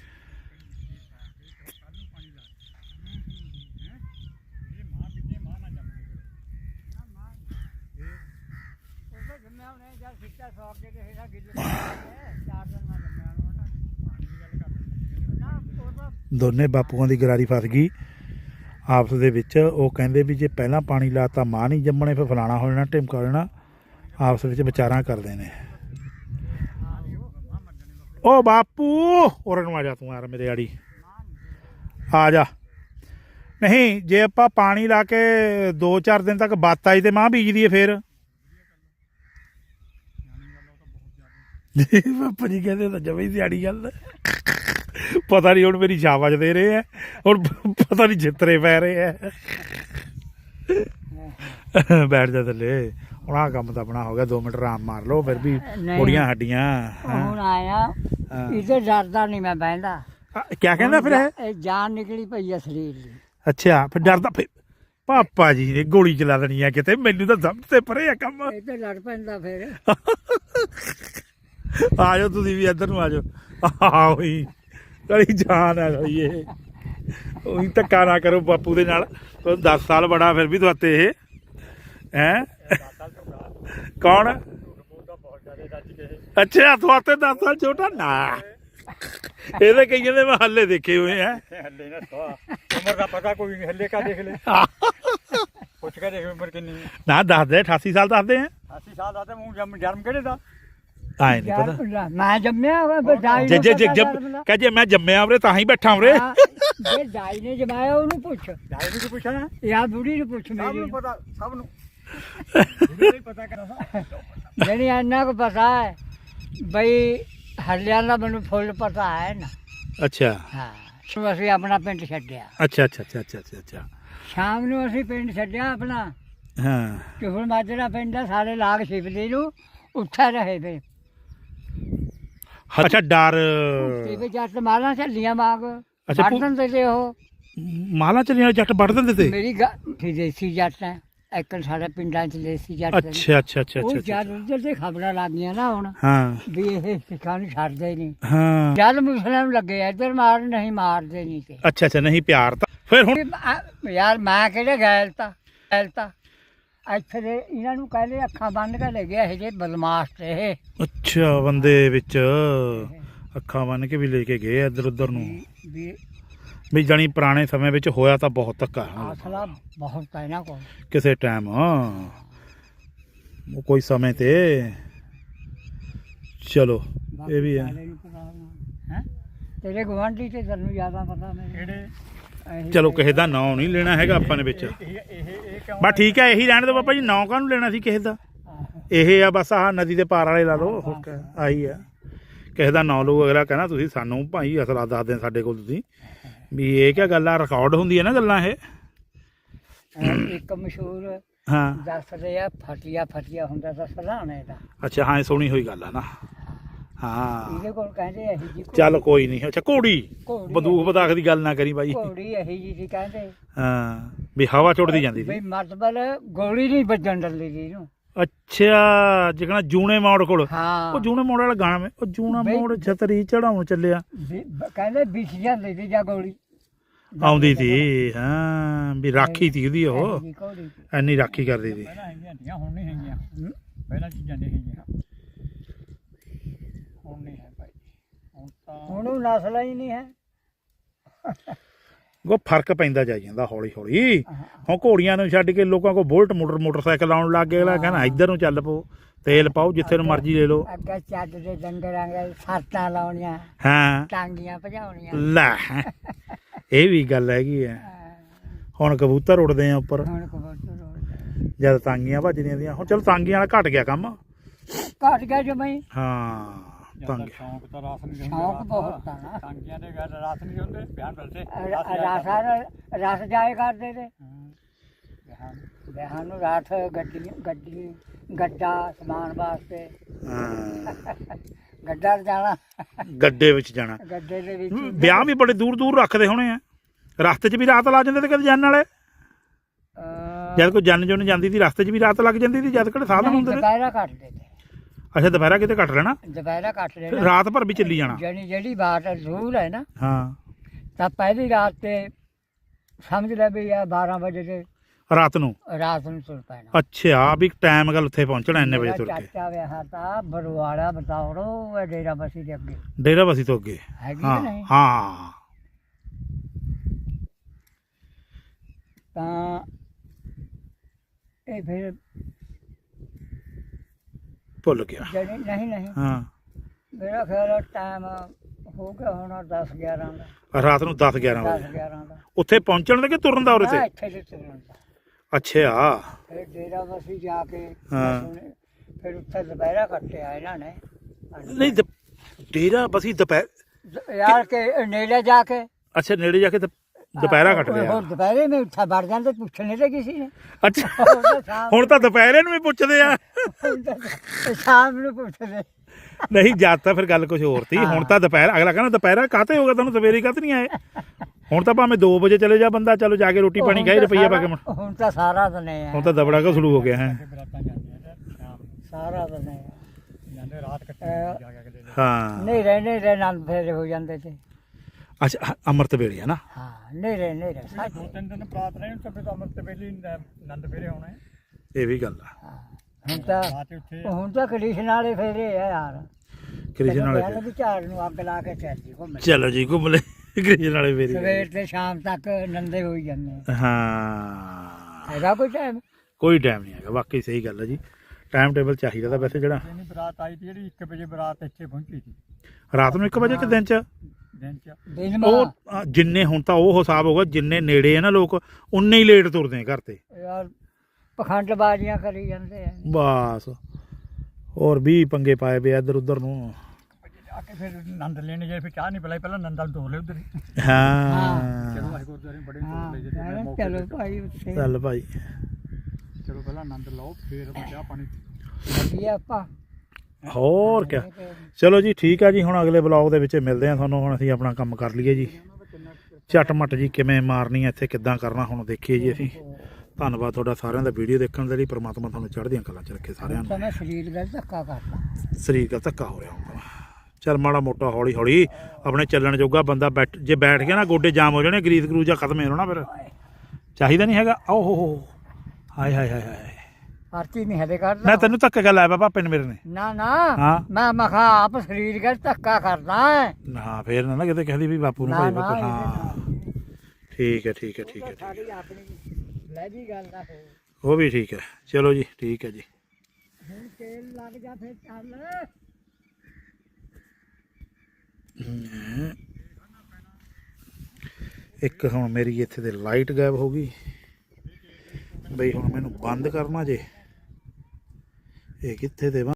ਦੋਨੇ ਬਾਪੂਆਂ ਦੀ ਗਰਾਰੀ ਫਸ ਗਈ ਆਪਸ ਦੇ ਵਿੱਚ। ਉਹ ਕਹਿੰਦੇ ਵੀ ਜੇ ਪਹਿਲਾਂ ਪਾਣੀ ਲਾਤਾ ਮਾਂ ਨਹੀਂ ਜੰਮਣੇ ਫਿਰ ਫਲਾਣਾ ਹੋ ਜਾਣਾ ਢਿਮਕਾ ਹੋ ਜਾਣਾ। ਆਪਸ ਵਿੱਚ ਵਿਚਾਰਾਂ ਕਰਦੇ ਨੇ। ਉਹ ਬਾਪੂ ਉਰੇ ਨੂੰ ਆ ਜਾ ਤੂੰ ਯਾਰ ਮੇਰੇ ਆੜੀ ਆ ਜਾ। ਨਹੀਂ ਜੇ ਆਪਾਂ ਪਾਣੀ ਲਾ ਕੇ ਦੋ ਚਾਰ ਦਿਨ ਤੱਕ ਬਾਤ ਆਈ ਤੇ ਮਾਂ ਬੀਜ ਦੀਏ ਫਿਰ। ਬਾਪਾ ਜੀ ਕਹਿੰਦੇ ਤਾਂ ਜਮੀ ਸਿਆੜੀ ਗੱਲ। ਪਤਾ ਨਹੀਂ ਹੁਣ ਮੇਰੀ ਸ਼ਾਬਾਸ਼ ਦੇ ਰਹੇ ਹੈ ਹੁਣ ਪਤਾ ਨਹੀਂ ਜਿੱਤਰੇ ਪੈ ਰਹੇ ਹੈ। ਬੈਠ ਜਾ ਥੱਲੇ ਹੁਣ ਆਹ ਕੰਮ ਤਾਂ ਆਪਣਾ ਹੋ ਗਿਆ। ਦੋ ਮਿੰਟ ਆਰਾਮ ਮਾਰ ਲਓ ਫਿਰ ਵੀ ਕੁੜੀਆਂ ਹੱਡੀਆਂ। ਹੁਣ ਆਇਆ ਇਹਦੇ ਡਰਦਾ ਨਹੀਂ ਮੈਂ ਬਹਿੰਦਾ। ਕਿਆ ਕਹਿੰਦਾ ਫਿਰ ਇਹ? ਇਹ ਜਾਨ ਨਿਕਲੀ ਪਈ ਆ ਸਰੀਰ ਦੀ। ਅੱਛਾ ਫਿਰ ਡਰਦਾ ਫਿਰ ਪਾਪਾ ਜੀ ਨੇ ਗੋਲੀ ਚਲਾ ਦੇਣੀ ਆ ਕਿਤੇ। ਮੈਨੂੰ ਤਾਂ ਸਮਝ ਤੇ ਪਰੇ ਆ ਕੰਮ। ਇਹ ਤੇ ਲੜ ਪੈਂਦਾ ਫਿਰ। ਆ ਜਾਓ ਤੁਸੀਂ ਵੀ ਇੱਧਰ ਨੂੰ ਆ ਜਾਓ। ਆਹ ਉਹੀ ਕਲੀ ਜਾਨ ਆ ਗਈ ਇਹ। ਉਹੀ ਧੱਕਾ ਨਾ ਕਰੋ ਬਾਪੂ ਦੇ ਨਾਲ। ਦਸ ਸਾਲ ਬੜਾ ਫਿਰ ਵੀ ਤੁਹਾਤੇ ਇਹ ਹੈਂ ਕੌਣ? ਅੱਛਾ ਤੁਹਾਤੇ ਦਸ ਸਾਲ ਛੋਟਾ ਨਾ। ਇਹਦੇ ਕਈਆਂ ਦੇ ਮੈਂ ਹੱਲੇ ਦੇਖੇ ਹੋਏ ਆ। ਹੱਲੇ ਨਾ ਉਮਰ ਦਾ ਪਤਾ ਕੋਈ ਨਹੀਂ। ਹੱਲੇ ਕਾ ਦੇਖ ਲੈ ਪੁੱਛ ਕੇ ਦੇਖ ਉਮਰ ਕਿੰਨੀ ਹੈ। ਨਾ ਦੱਸਦੇ ਅਠਾਸੀ ਸਾਲ ਦੱਸਦੇ ਆ। ਅੱਸੀ ਸਾਲ ਦਾ ਤੇ ਮੂੰਹ ਜਨਮ ਜਨਮ ਕਿਹੜੇ ਦਾ ਆਏ ਨਹੀਂ ਪਤਾ। ਮੈਂ ਜੰਮਿਆ ਹੋਇਆ ਦਾਈ ਜੇ ਜੇ ਜੇ ਕਹ ਜੇ ਮੈਂ ਜੰਮਿਆ ਉਰੇ ਤਾਂ ਹੀ ਬੈਠਾ ਉਰੇ। ਜੇ ਦਾਈ ਨੇ ਜਮਾਇਆ ਉਹਨੂੰ ਪੁੱਛ। ਦਾਈ ਨੂੰ ਕੀ ਪੁੱਛਣਾ? ਯਾ ਬੁੜੀ ਨੂੰ ਪੁੱਛ ਸਭ ਮੇਰੀ ਨੂੰ ਪਤਾ ਸਭ ਨੂੰ ਨਹੀਂ ਪਤਾ ਕਰਦਾ। ਜਿਹੜੀ ਇੰਨਾ ਕੁ ਪਤਾ ਹੈ ਬਈ ਹੱਲਿਆਂ ਦਾ ਮੈਨੂੰ ਫੁੱਲ ਪਤਾ ਹੈ ਨਾ। ਅੱਛਾ ਹਾਂ ਸੋ ਅਸੀਂ ਆਪਣਾ ਪਿੰਡ ਛੱਡਿਆ। ਅੱਛਾ ਅੱਛਾ ਅੱਛਾ ਅੱਛਾ ਅੱਛਾ ਅੱਛਾ ਸ਼ਾਮ ਨੂੰ ਅਸੀਂ ਪਿੰਡ ਛੱਡਿਆ ਆਪਣਾ। ਹਾਂ ਚੁਹਲ ਮਾਜਰਾ ਪਿੰਡ ਆ ਸਾਰੇ ਲਾਗ ਸ਼ਿਵਲੀ ਨੂੰ ਉੱਥੇ ਰਹੇ ਵੇ। ਅੱਛਾ ਡਰ ਤੇ ਵੀ ਜੱਟ ਮਾਲਾਂ ਝੱਲੀਆਂ ਮਾਗ ਅੱਛਾ ਵੜਦਨ ਤੇ ਤੇ ਉਹ ਮਾਲਾ ਚਲੀਆਂ ਜੱਟ ਵੱਢ ਦਿੰਦੇ ਤੇ। ਮੇਰੀ ਗੱਲ ਦੇਸੀ ਜੱਟ ਹੈ ਇੱਕ ਸਾਡੇ ਪਿੰਡਾਂ 'ਚ ਦੇਸੀ ਜੱਟ ਨੇ। ਅੱਛਾ ਅੱਛਾ ਅੱਛਾ ਉਹ ਅੱਛਾ ਜਦ ਉੱਧਰ ਤੇ ਖਬਰਾਂ ਲੱਗ ਗਈਆਂ ਨਾ ਹੁਣ ਹਾਂ ਵੀ ਇਹ ਸਿੱਖਾਂ ਨੂੰ ਛੱਡਦੇ ਨਹੀਂ। ਹਾਂ ਜਦ ਮੁਸਲਿਮ ਲੱਗੇ ਇੱਧਰ ਮਾਰ ਨਹੀਂ ਮਾਰਦੇ ਨਹੀਂ ਤੇ ਅੱਛਾ ਅੱਛਾ ਨਹੀਂ ਪਿਆਰ ਤਾਂ ਫਿਰ ਹੁਣ ਵੀ ਆ- ਯਾਰ ਮੈਂ ਕਿਹੜੇ ਗੈਲਤਾ ਗੈਲਤਾ ਇੱਥੇ ਦੇ ਇਹਨਾਂ ਨੂੰ ਕਹਿੰਦੇ ਅੱਖਾਂ ਬੰਦ ਕੇ ਲੈ ਗਿਆ ਇਹ ਜੇ ਬਦਮਾਸ਼ ਤੇ ਇਹ ਅੱਛਾ ਬੰਦੇ ਵਿੱਚ ਅੱਖਾਂ ਬੰਨ ਕੇ ਵੀ ਲੈ ਕੇ ਗਏ ਇੱਧਰ ਉੱਧਰ ਨੂੰ ਵੀ- ਵੀ ਵੀ ਜਾਣੀ ਪੁਰਾਣੇ ਸਮੇਂ ਵਿੱਚ ਹੋਇਆ ਤਾਂ ਬਹੁਤ ਧੱਕਾ ਹੈ। ਆਸਲਾ ਬਹੁਤ ਹੈ ਇਹਨਾਂ ਕੋਲ। ਕਿਸੇ ਟਾਈਮ ਉਹ ਕੋਈ ਸਮੇਂ ਤੇ ਚਲੋ ਇਹ ਵੀ ਹੈ। ਹੈਂ? ਤੇਰੇ ਗੁਆਂਢੀ ਤੇ ਤੈਨੂੰ ਜ਼ਿਆਦਾ ਪਤਾ ਮੈਨੂੰ ਕਿਹੜੇ ਇਹੀ ਚਲੋ ਕਿਸੇ ਦਾ ਨਾਂ ਨਹੀਂ ਲੈਣਾ ਹੈਗਾ ਆਪਾਂ ਨੇ ਵਿੱਚ ਇਹ ਇਹ ਇਹ ਕਿਉਂ ਬਸ ਠੀਕ ਹੈ ਇਹੀ ਰਹਿਣ ਦਿਓ ਬਾਬਾ ਜੀ ਨਾਂ ਕਾਹਨੂੰ ਲੈਣਾ ਸੀ ਕਿਸੇ ਦਾ ਇਹ ਆ ਬਸ ਆਹ ਨਦੀ ਦੇ ਪਾਰ ਵਾਲੇ ਲਾ ਲਓ ਹੋਰ ਕਿਆ, ਆਹੀ ਆ ਕਿਸੇ ਦਾ ਨਾਂ ਲਓ ਅਗਲਾ ਕਹਿੰਦਾ ਤੁਸੀਂ ਸਾਨੂੰ ਭਾਈ ਅਸਲਾ ਦੱਸਦੇ ਸਾਡੇ ਕੋਲ ਤੁਸੀਂ ਵੀ ਇਹ ਕਿਆ ਗੱਲ ਆ ਰਿਕਾਰਡ ਹੁੰਦੀ ਹੈ ਨਾ ਗੱਲਾਂ ਇਹ ਅਹ ਇੱਕ ਮਸ਼ਹੂਰ ਹਾਂ ਦੱਸਦੇ ਆ ਫਟਿਆ ਫਟਿਆ ਹੁੰਦਾ ਤਾਂ ਸਰਾਣੇ ਦਾ ਅੱਛਾ ਹਾਂ ਇਹ ਸੋਹਣੀ ਹੋਈ ਗੱਲ ਆ ਨਾ ਹਾਂ ਇਹਦੇ ਕੋਲ ਕਹਿੰਦੇ ਇਹੀ ਜੀ ਚੱਲ ਕੋਈ ਨਹੀਂ ਅੱਛਾ ਘੋੜੀ ਘੋੜੀ ਬੰਦੂਕ ਬਦਾਖ ਦੀ ਗੱਲ ਨਾ ਕਰੀ ਬਾਈ ਘੋੜੀ ਇਹੀ ਜੀ ਸੀ ਕਹਿੰਦੇ ਹਾਂ ਵੀ ਹਵਾ ਛੁੱਟਦੀ ਜਾਂਦੀ ਬਈ ਸੀ ਮਤਲਬ ਗੋਲੀ ਨਹੀਂ ਵੱਜਣ ਦਿੰਦੀ ਸੀ ਇਹਨੂੰ। ਅੱਛਾ ਜਿਕਣਾ ਜੂਨੇ ਮੋੜ ਕੋਲ ਹਾਂ ਉਹ ਜੂਨੇ ਮੋੜ ਵਾਲਾ ਗਾਣਾ ਵੇ ਉਹ ਜੂਨਾ ਬਈ- ਮੋੜ ਛਤਰੀ ਚੜਾਉਣ ਚੱਲਿਆ ਵੀ- ਬ- ਕਹਿੰਦੇ ਵਿਛ ਜਾਂਦੀ ਸੀ ਜਾਂ ਗੋਲੀ ਆਉਂਦੀ ਸੀ ਹਾਂ ਵੀ ਰਾਖੀ ਸੀ ਉਹਦੀ ਉਹ ਇਹੀ ਜੀ ਘੋੜੀ ਸੀ। ਐਨੀ ਰਾਖੀ ਕਰਦੀ ਸੀ ਪਹਿਲਾਂ ਹੈਗੀਆਂ ਹੁੰਦੀਆਂ ਹੁਣ ਨਹੀਂ ਹੈਗੀਆਂ ਹਮ। ਪਹਿਲਾਂ ਚੀਜ਼ਾਂ ਨਹੀਂ ਹੈਗੀਆਂ ਹੁਣ ਨਹੀਂ ਹੈ ਭਾਈ ਹੁਣ ਤਾਂ ਹੁਣ ਉਹ ਨਸਲ ਹੀ ਨਹੀਂ ਹੈ। ਉਹ ਫਰਕ ਪੈਂਦਾ ਜਾਈ ਜਾਂਦਾ ਹੌਲੀ ਹੌਲੀ ਹੁਣ ਘੋੜੀਆਂ ਨੂੰ ਛੱਡ ਕੇ ਲੋਕਾਂ ਕੋਲ ਬੁਲਟ ਮੋਟਰ ਮੋਟਰਸਾਈਕਲ ਆਉਣ ਲੱਗ ਗਏ ਅਗਲਾ ਕਹਿੰਦਾ ਇੱਧਰ ਨੂੰ ਚੱਲ ਪਓ ਤੇਲ ਪਾਓ ਜਿੱਥੇ ਨੂੰ ਮਰਜ਼ੀ ਲੈ ਲਓ ਅੱਗੇ ਚੱਜ ਦੇ ਡੰਗਰਾਂ ਦੇ ਸੱਟਾਂ ਲਾਉਣੀਆਂ ਹਾਂ ਟਾਂਗੀਆਂ ਭਜਾਉਣੀਆਂ। ਲੈ ਇਹ ਵੀ ਗੱਲ ਹੈਗੀ ਆ ਹੁਣ ਕਬੂਤਰ ਉੱਡਦੇ ਆ ਉੱਪਰ ਹੁਣ ਕਬੂਤਰ ਉੱਡਦੇ। ਜਦ ਤਾਂਗੀਆਂ ਭੱਜਦੀਆਂ ਦੀਆਂ ਹੁਣ ਚਲੋ ਤਾਂਗੀਆਂ ਵਾਲਾ ਘਟ ਗਿਆ ਕੰਮ ਘੱਟ ਗਿਆ ਜਮਈ ਹਾਂ ਜ਼ਿਆਦਾ ਤੰਗ ਸ਼ੌਂਕ ਤਾਂ ਰਾਸ ਨਹੀਂ ਹੁੰਦੇ ਸ਼ੌਂਕ ਰਾਸ ਬਹੁਤ ਦਾ। ਆ ਨਾ। ਟਾਂਗੀਆਂ ਦੇ ਗੱਲ ਰਾਸ ਨਹੀਂ ਹੁੰਦੇ ਬਿਆਨ ਬਲਦੇ ਰਾਸਾ ਰਸ ਜਾਏ ਕਰਦੇ ਤੇ ਬਿਆਨ ਵਿਆਹਾਂ ਨੂੰ ਰਾਤ ਗੱਡੀ ਗੱਡੀ ਗੱਡਾ ਸਮਾਨ ਵਾਸਤੇ ਹਾਂ ਗੱਡਾ ਜਾਣਾ ਗੱਡੇ ਵਿੱਚ ਜਾਣਾ ਗੱਡੇ ਦੇ ਵਿੱਚ ਵਿਆਹ ਵੀ ਬੜੇ ਦੂਰ ਦੂਰ ਰੱਖਦੇ ਹੋਣੇ ਆ ਰਸਤੇ 'ਚ ਵੀ ਰਾਤ ਲਾ ਜਾਂਦੇ ਤੇ ਕਦੇ ਜਾਣ ਵਾਲੇ ਅਹ, ਜਦ ਕੋਈ ਜਨ ਜੁਨ ਜਾਂਦੀ ਸੀ ਰਸਤੇ 'ਚ ਵੀ ਰਾਤ ਲੱਗ ਜਾਂਦੀ ਸੀ ਜਦ ਕਿਹੜੇ ਸਾਧਨ ਨਹੀਂ, ਹੁੰਦੇ ਨੇ ਦੁਪਹਿਰਾ ਕੱਟਦੇ ਤੇ ਅੱਛਾ ਦੁਪਹਿਰਾ ਕਿਤੇ ਕੱਟ ਲੈਣਾ ਦੁਪਹਿਰਾ ਕੱਟ ਫਿਰ ਲੈਣਾ ਰਾਤ ਭਰ ਵੀ ਚੱਲੀ ਜਾਣਾ ਜਿਹੜੀ ਜਿਹੜੀ ਬਾਤ ਜ਼ਰੂਰ ਹੈ ਨਾ ਹਾਂ ਤਾਂ ਪਹਿਲੀ ਰਾਤ ਤੇ ਸਮਝ ਲੈ ਵੀ ਆ ਬਾਰਾਂ ਵਜੇ ਤੇ ਰਾਤ ਨੂੰ ਰਾਤ ਨੂੰ ਤੁਰ ਪੈਣਾ। ਅੱਛਾ ਵੀ ਟਾਈਮ ਗੱਲ ਉੱਥੇ ਪਹੁੰਚਣਾ ਇੰਨੇ ਵਜੇ ਮੇਰਾ ਤੁਰ ਕੇ ਚਾਚਾ ਵਿਆਹ ਤਾਂ ਬਰਵਾੜਾ ਬਤਾਉੜੋ ਇਹ ਡੇਰਾ ਬਸੀ ਦੇ ਅੱਗੇ ਡੇਰਾ ਬਸੀ ਤੋਂ ਅੱਗੇ ਹੈਗੀ ਹਾਂ ਕਿ ਨਹੀਂ ਹਾਂ ਤਾਂ ਇਹ ਫਿਰ ਭੁੱਲ ਗਿਆ ਜਿਹੜੀ ਨਹੀਂ ਨਹੀਂ ਹਾਂ ਮੇਰਾ ਖਿਆਲ ਟਾਈਮ ਹੋ ਗਿਆ ਹੋਣਾ ਦਸ ਗਿਆਰਾਂ ਦਾ ਰਾਤ ਨੂੰ ਦਸ ਗਿਆਰਾਂ ਦਸ ਵਜੇ ਗਿਆਰਾਂ ਦਾ ਉੱਥੇ ਪਹੁੰਚਣ ਦੇ ਕਿ ਤੁਰਨ ਦਾ ਉਰੇ ਹਾਂ, ਤੇ ਇੱਥੇ ਤੇ ਤੁਰਨ ਦਾ ਅੱਛਾ ਫਿਰ ਡੇਰਾ ਬਸੀ ਜਾ ਕੇ ਹਾਂ। ਸੁਣੇ- ਫਿਰ ਉੱਥੇ ਦੁਪਹਿਰਾ ਕੱਟਿਆ ਇਹਨਾਂ ਨੇ ਨਹੀਂ ਦ- ਡੇਰਾ ਬਸੀ ਦੁਪਹਿਰ ਯਾਰ ਕੇ ਨੇੜੇ ਜਾ ਕੇ ਅੱਛਾ ਨੇੜੇ ਜਾ ਕੇ ਦੁ- ਦੁਪਹਿਰਾ ਕੱਟ ਲਿਆ ਹੋਰ ਦੁਪਹਿਰੇ ਮੈਂ ਉੱਠਾ ਵੜ ਜਾਂਦੇ ਪੁੱਛਣੇ ਤੇ ਕਿਸੇ ਨੇ ਅੱਛਾ ਉਹ ਤਾਂ ਸ਼ਾਮ ਹੁਣ ਤਾਂ ਦੁਪਹਿਰੇ ਨੂੰ ਵੀ ਪੁੱਛਦੇ ਆ ਹੁਣ ਤਾਂ ਸ਼ਾਮ ਨੂੰ ਪੁੱਛਦੇ ਨਹੀਂ ਜਦ ਤਾਂ ਫਿਰ ਗੱਲ ਕੁਝ ਹੋਰ ਤੀ ਹੁਣ ਤਾਂ ਦੁਪਹਿਰ ਅਗਲਾ ਕਹਿੰਦਾ ਦੁਪਹਿਰਾ ਕਾਹਤੇ ਹੋ ਗਿਆ ਤੁਹਾਨੂੰ ਸਵੇਰੇ ਕਾਹਤੇ ਨਹੀਂ ਆਏ ਹੁਣ ਤਾਂ ਭਾਵੇਂ ਦੋ ਵਜੇ ਚਲੇ ਜਾ ਬੰਦਾ ਚਲੋ ਜਾ ਕੇ ਰੋਟੀ ਪਾਣੀ ਖਾਏ ਰੁਪਈਆ ਪਾ ਕੇ ਮੁੜ- ਹੁਣ ਤਾਂ ਸਾਰਾ ਦਿਨ ਹੈ ਹੁਣ ਤਾਂ ਦਬੜਾ ਕਾ ਸ਼ੁਰੂ ਹੋ ਗਿਆ ਹੈ ਕਿ ਬਰਾਤਾਂ ਜਾਂਦੀਆਂ ਤੇ ਸ਼ਾਮ ਨੂੰ ਸਾਰਾ ਦਿਨ ਹੈ ਜਾਂਦੇ ਰਾਤ ਕੱਟੇ ਅਹ, ਜਾ ਕੇ ਅਗਲੇ ਦਿਨ ਹਾਂ ਨਹੀਂ ਰਹੇ ਨਹੀਂ ਰਹੇ ਨੰਦ ਫੇਰੇ ਹੋ ਜਾਂਦੇ ਤੇ ਅੱਛਾ ਹ- ਅੰਮ੍ਰਿਤ ਵੇਲੇ ਹੈ ਨਾ ਹਾਂ ਨਹੀਂ ਰਹੇ ਨਹੀਂ ਰਹੇ ਜਿਹੜੇ ਦੋ ਤਿੰਨ ਦਿਨ ਬਰਾਤ ਰਹੇ ਤਾਂ ਫਿਰ ਤਾਂ ਅਮਰਤ ਵੇਲੇ ਨੰਦ ਫੇਰੇ ਆਉਣੇ ਇਹ ਵੀ ਗੱਲ ਆ ਹਾਂ, ਹੁਣ ਤਾਂ ਰਾਤ ਉੱਥੇ ਹੁਣ ਤਾਂ ਕ੍ਰਿਸ਼ਨ ਵਾਲੇ ਫੇਰੇ ਆ ਯਾਰ ਕ੍ਰਿਸ਼ਨ ਵਾਲੇ ਕਹਿੰਦੇ ਵੀ ਝਾੜ ਨੂੰ ਅੱਗ ਲਾ ਕੇ ਚੱਲ ਜੀ ਘੁੰਮ ਚਲੋ ਜੀ ਘੁੰਮ ਲੈ ਕ੍ਰਿਸ਼ਨ ਵਾਲੇ ਵੇਲੇ ਸਵੇਰ ਤੇ ਸ਼ਾਮ ਤੱਕ ਨੰਦੇ ਹੋਈ ਜਾਂਦੇ ਹਾਂ ਹੈਗਾ ਕੋਈ ਟਾਈਮ ਕੋਈ ਟਾਈਮ ਨਹੀਂ ਹੈਗਾ ਵਾਕਈ ਸਹੀ ਗੱਲ ਹੈ ਜੀ ਟਾਈਮ ਟੇਬਲ ਚਾਹੀਦਾ ਤਾਂ ਵੈਸੇ ਜਿਹੜਾ ਨਹੀਂ ਬਰਾਤ ਆਈ ਤੀ ਜਿਹੜੀ ਇੱਕ ਵਜੇ ਬਰਾਤ ਇੱਥੇ ਪਹੁੰਚੀ ਸੀ ਰਾਤ ਨੂੰ ਇੱਕ ਵਜੇ ਕਿ ਦਿਨ ਚ ਦਿਨ ਚ ਦਿਨ ਉਹ ਮਾ ਅ, ਜਿੰਨੇ ਹੁਣ ਤਾਂ ਉਹ ਹਿਸਾਬ ਹੋਗਾ ਜਿੰਨੇ ਨੇੜੇ ਆ ਨਾ ਲੋਕ ਉਨੇ ਹੀ ਲੇਟ ਤੁਰਦੇ ਆ ਘਰ ਤੇ ਯਾਰ ਪਖੰਡ ਬਾਜ਼ੀਆਂ ਕਰੀ ਜਾਂਦੇ ਆ ਬਸ ਹੋਰ ਵੀ ਪੰਗੇ ਪਾਏ ਪਏ ਇੱਧਰ ਉੱਧਰ ਨੂੰ ਆ ਕੇ ਫਿਰ ਨੰਦ ਲੈਣੇ ਜੇ ਫਿਰ ਚਾਹ ਨਹੀਂ ਪਿਲਾਈ ਪਹਿਲਾਂ ਨੰਦਾਂ ਨੂੰ ਤੋੜ ਲਿਓ ਉਧਰ ਹਾਂ ਚਲੋ ਵਾਹਿ ਗੁਰਦੁਆਰੇ ਬੜੇ ਹਾਂ ਤੋੜ ਲਏ ਜੇ ਮੈਂ ਮੌਕੇ ਚਲੋ ਤੇ। ਭਾਈ ਉੱਥੇ ਚੱਲ ਭਾਈ ਚਲੋ ਪਹਿਲਾਂ ਆਨੰਦ ਲਓ ਫਿਰ ਚਾਹ ਪਾਣੀ ਵਧੀਆ ਆਪਾਂ ਹੋਰ ਕਿਆ ਚਲੋ ਜੀ ਠੀਕ ਆ ਜੀ ਹੁਣ ਅਗਲੇ ਬਲੌਗ ਦੇ ਵਿੱਚ ਮਿਲਦੇ ਆ ਤੁਹਾਨੂੰ ਹੁਣ ਅਸੀਂ ਆਪਣਾ ਕੰਮ ਕਰ ਲਈਏ ਜੀ ਝਟ ਮਟ ਜੀ ਕਿਵੇਂ ਮਾਰਨੀ ਆ ਇੱਥੇ ਕਿੱਦਾਂ ਕਰਨਾ ਹੁਣ ਦੇਖੀਏ ਜੀ ਅਸੀਂ ਧੰਨਵਾਦ ਤੁਹਾਡਾ ਸਾਰਿਆਂ ਦਾ ਵੀਡੀਓ ਦੇਖਣ ਦੇ ਲਈ। ਪ੍ਰਮਾਤਮਾ ਤੁਹਾਨੂੰ ਚੜ੍ਹਦੀਆਂ ਕਲਾਂ 'ਚ ਰੱਖੇ ਸਾਰਿਆਂ ਨੂੰ। ਤਾਂ ਮੈਂ ਸਰੀਰ ਗੱਲ ਧੱਕਾ ਕਰਤਾ। ਸਰੀਰ ਦਾ ਧੱਕਾ ਹੋ ਰਿਹਾ ਹੁੰਦਾ। ਚੱਲ ਮਾੜਾ ਮੋਟਾ ਹੌਲੀ ਹੌਲੀ ਆਪਣੇ ਚੱਲਣ ਜੋਗਾ ਬੰਦਾ ਬੈਠ ਜੇ ਬੈਠ ਗਿਆ ਨਾ ਗੋਡੇ ਜਾਮ ਹੋ ਜਾਣੇ, ਗਰੀਸ ਗਰੂਜਾ ਖਤਮ ਹੋ ਜਾਣਾ ਫਿਰ। ਚਾਹੀਦਾ ਨਹੀਂ ਹੈਗਾ। ਓ ਹੋ ਹੋ ਹਾਏ ਹਾਏ ਹਾਏ ਹਾਏ ਪਰਚੀ ਨਹੀਂ ਹਲੇ ਕਰਦਾ ਮੈਂ ਤੈਨੂੰ ਧੱਕੇ ਗੱਲ ਆਇਆ ਪਾਪੇ ਨੇ ਮੇਰੇ ਨੇ। ਨਾ ਨਾ ਹਾਂ ਮੈਂ ਮਖਾ ਆਪ ਸਰੀਰ ਗੱਲ ਧੱਕਾ ਕਰਦਾ ਹੈ। ਹਾਂ ਫੇਰ ਨਾ ਨਾ ਕਿਤੇ ਕਹਿੰਦੀ ਵੀ ਬਾਪੂ ਨੂੰ ਨਾ, ਭਾਈ ਨਾ, ਬਾਪੂ ਇਹਦੇ ਹਾਂ ਠੀਕ ਹੈ ਠੀਕ ਹੈ ਠੀਕ ਹੈ ਠੀਕ ਹੈ। ਸਾਡੀ ਆਪਣੀ ਲੈ ਜੀ ਗੱਲ ਦਾ ਫਿਰ ਉਹ ਵੀ ਠੀਕ ਹੈ। ਚਲੋ ਜੀ ਠੀਕ ਹੈ ਜੀ। ਹੁਣ ਤੇਲ ਲੱਗ ਜਾ ਫਿਰ ਚੱਲ। ਇੱਕ ਹੁਣ ਮੇਰੀ ਇੱਥੇ ਤੇ ਲਾਈਟ ਗਾਇਬ ਹੋ ਗਈ ਬਈ। ਹੁਣ ਮੈਨੂੰ ਬੰਦ ਕਰਨਾ ਜੇ ਇਹ ਕਿੱਥੇ ਤੇ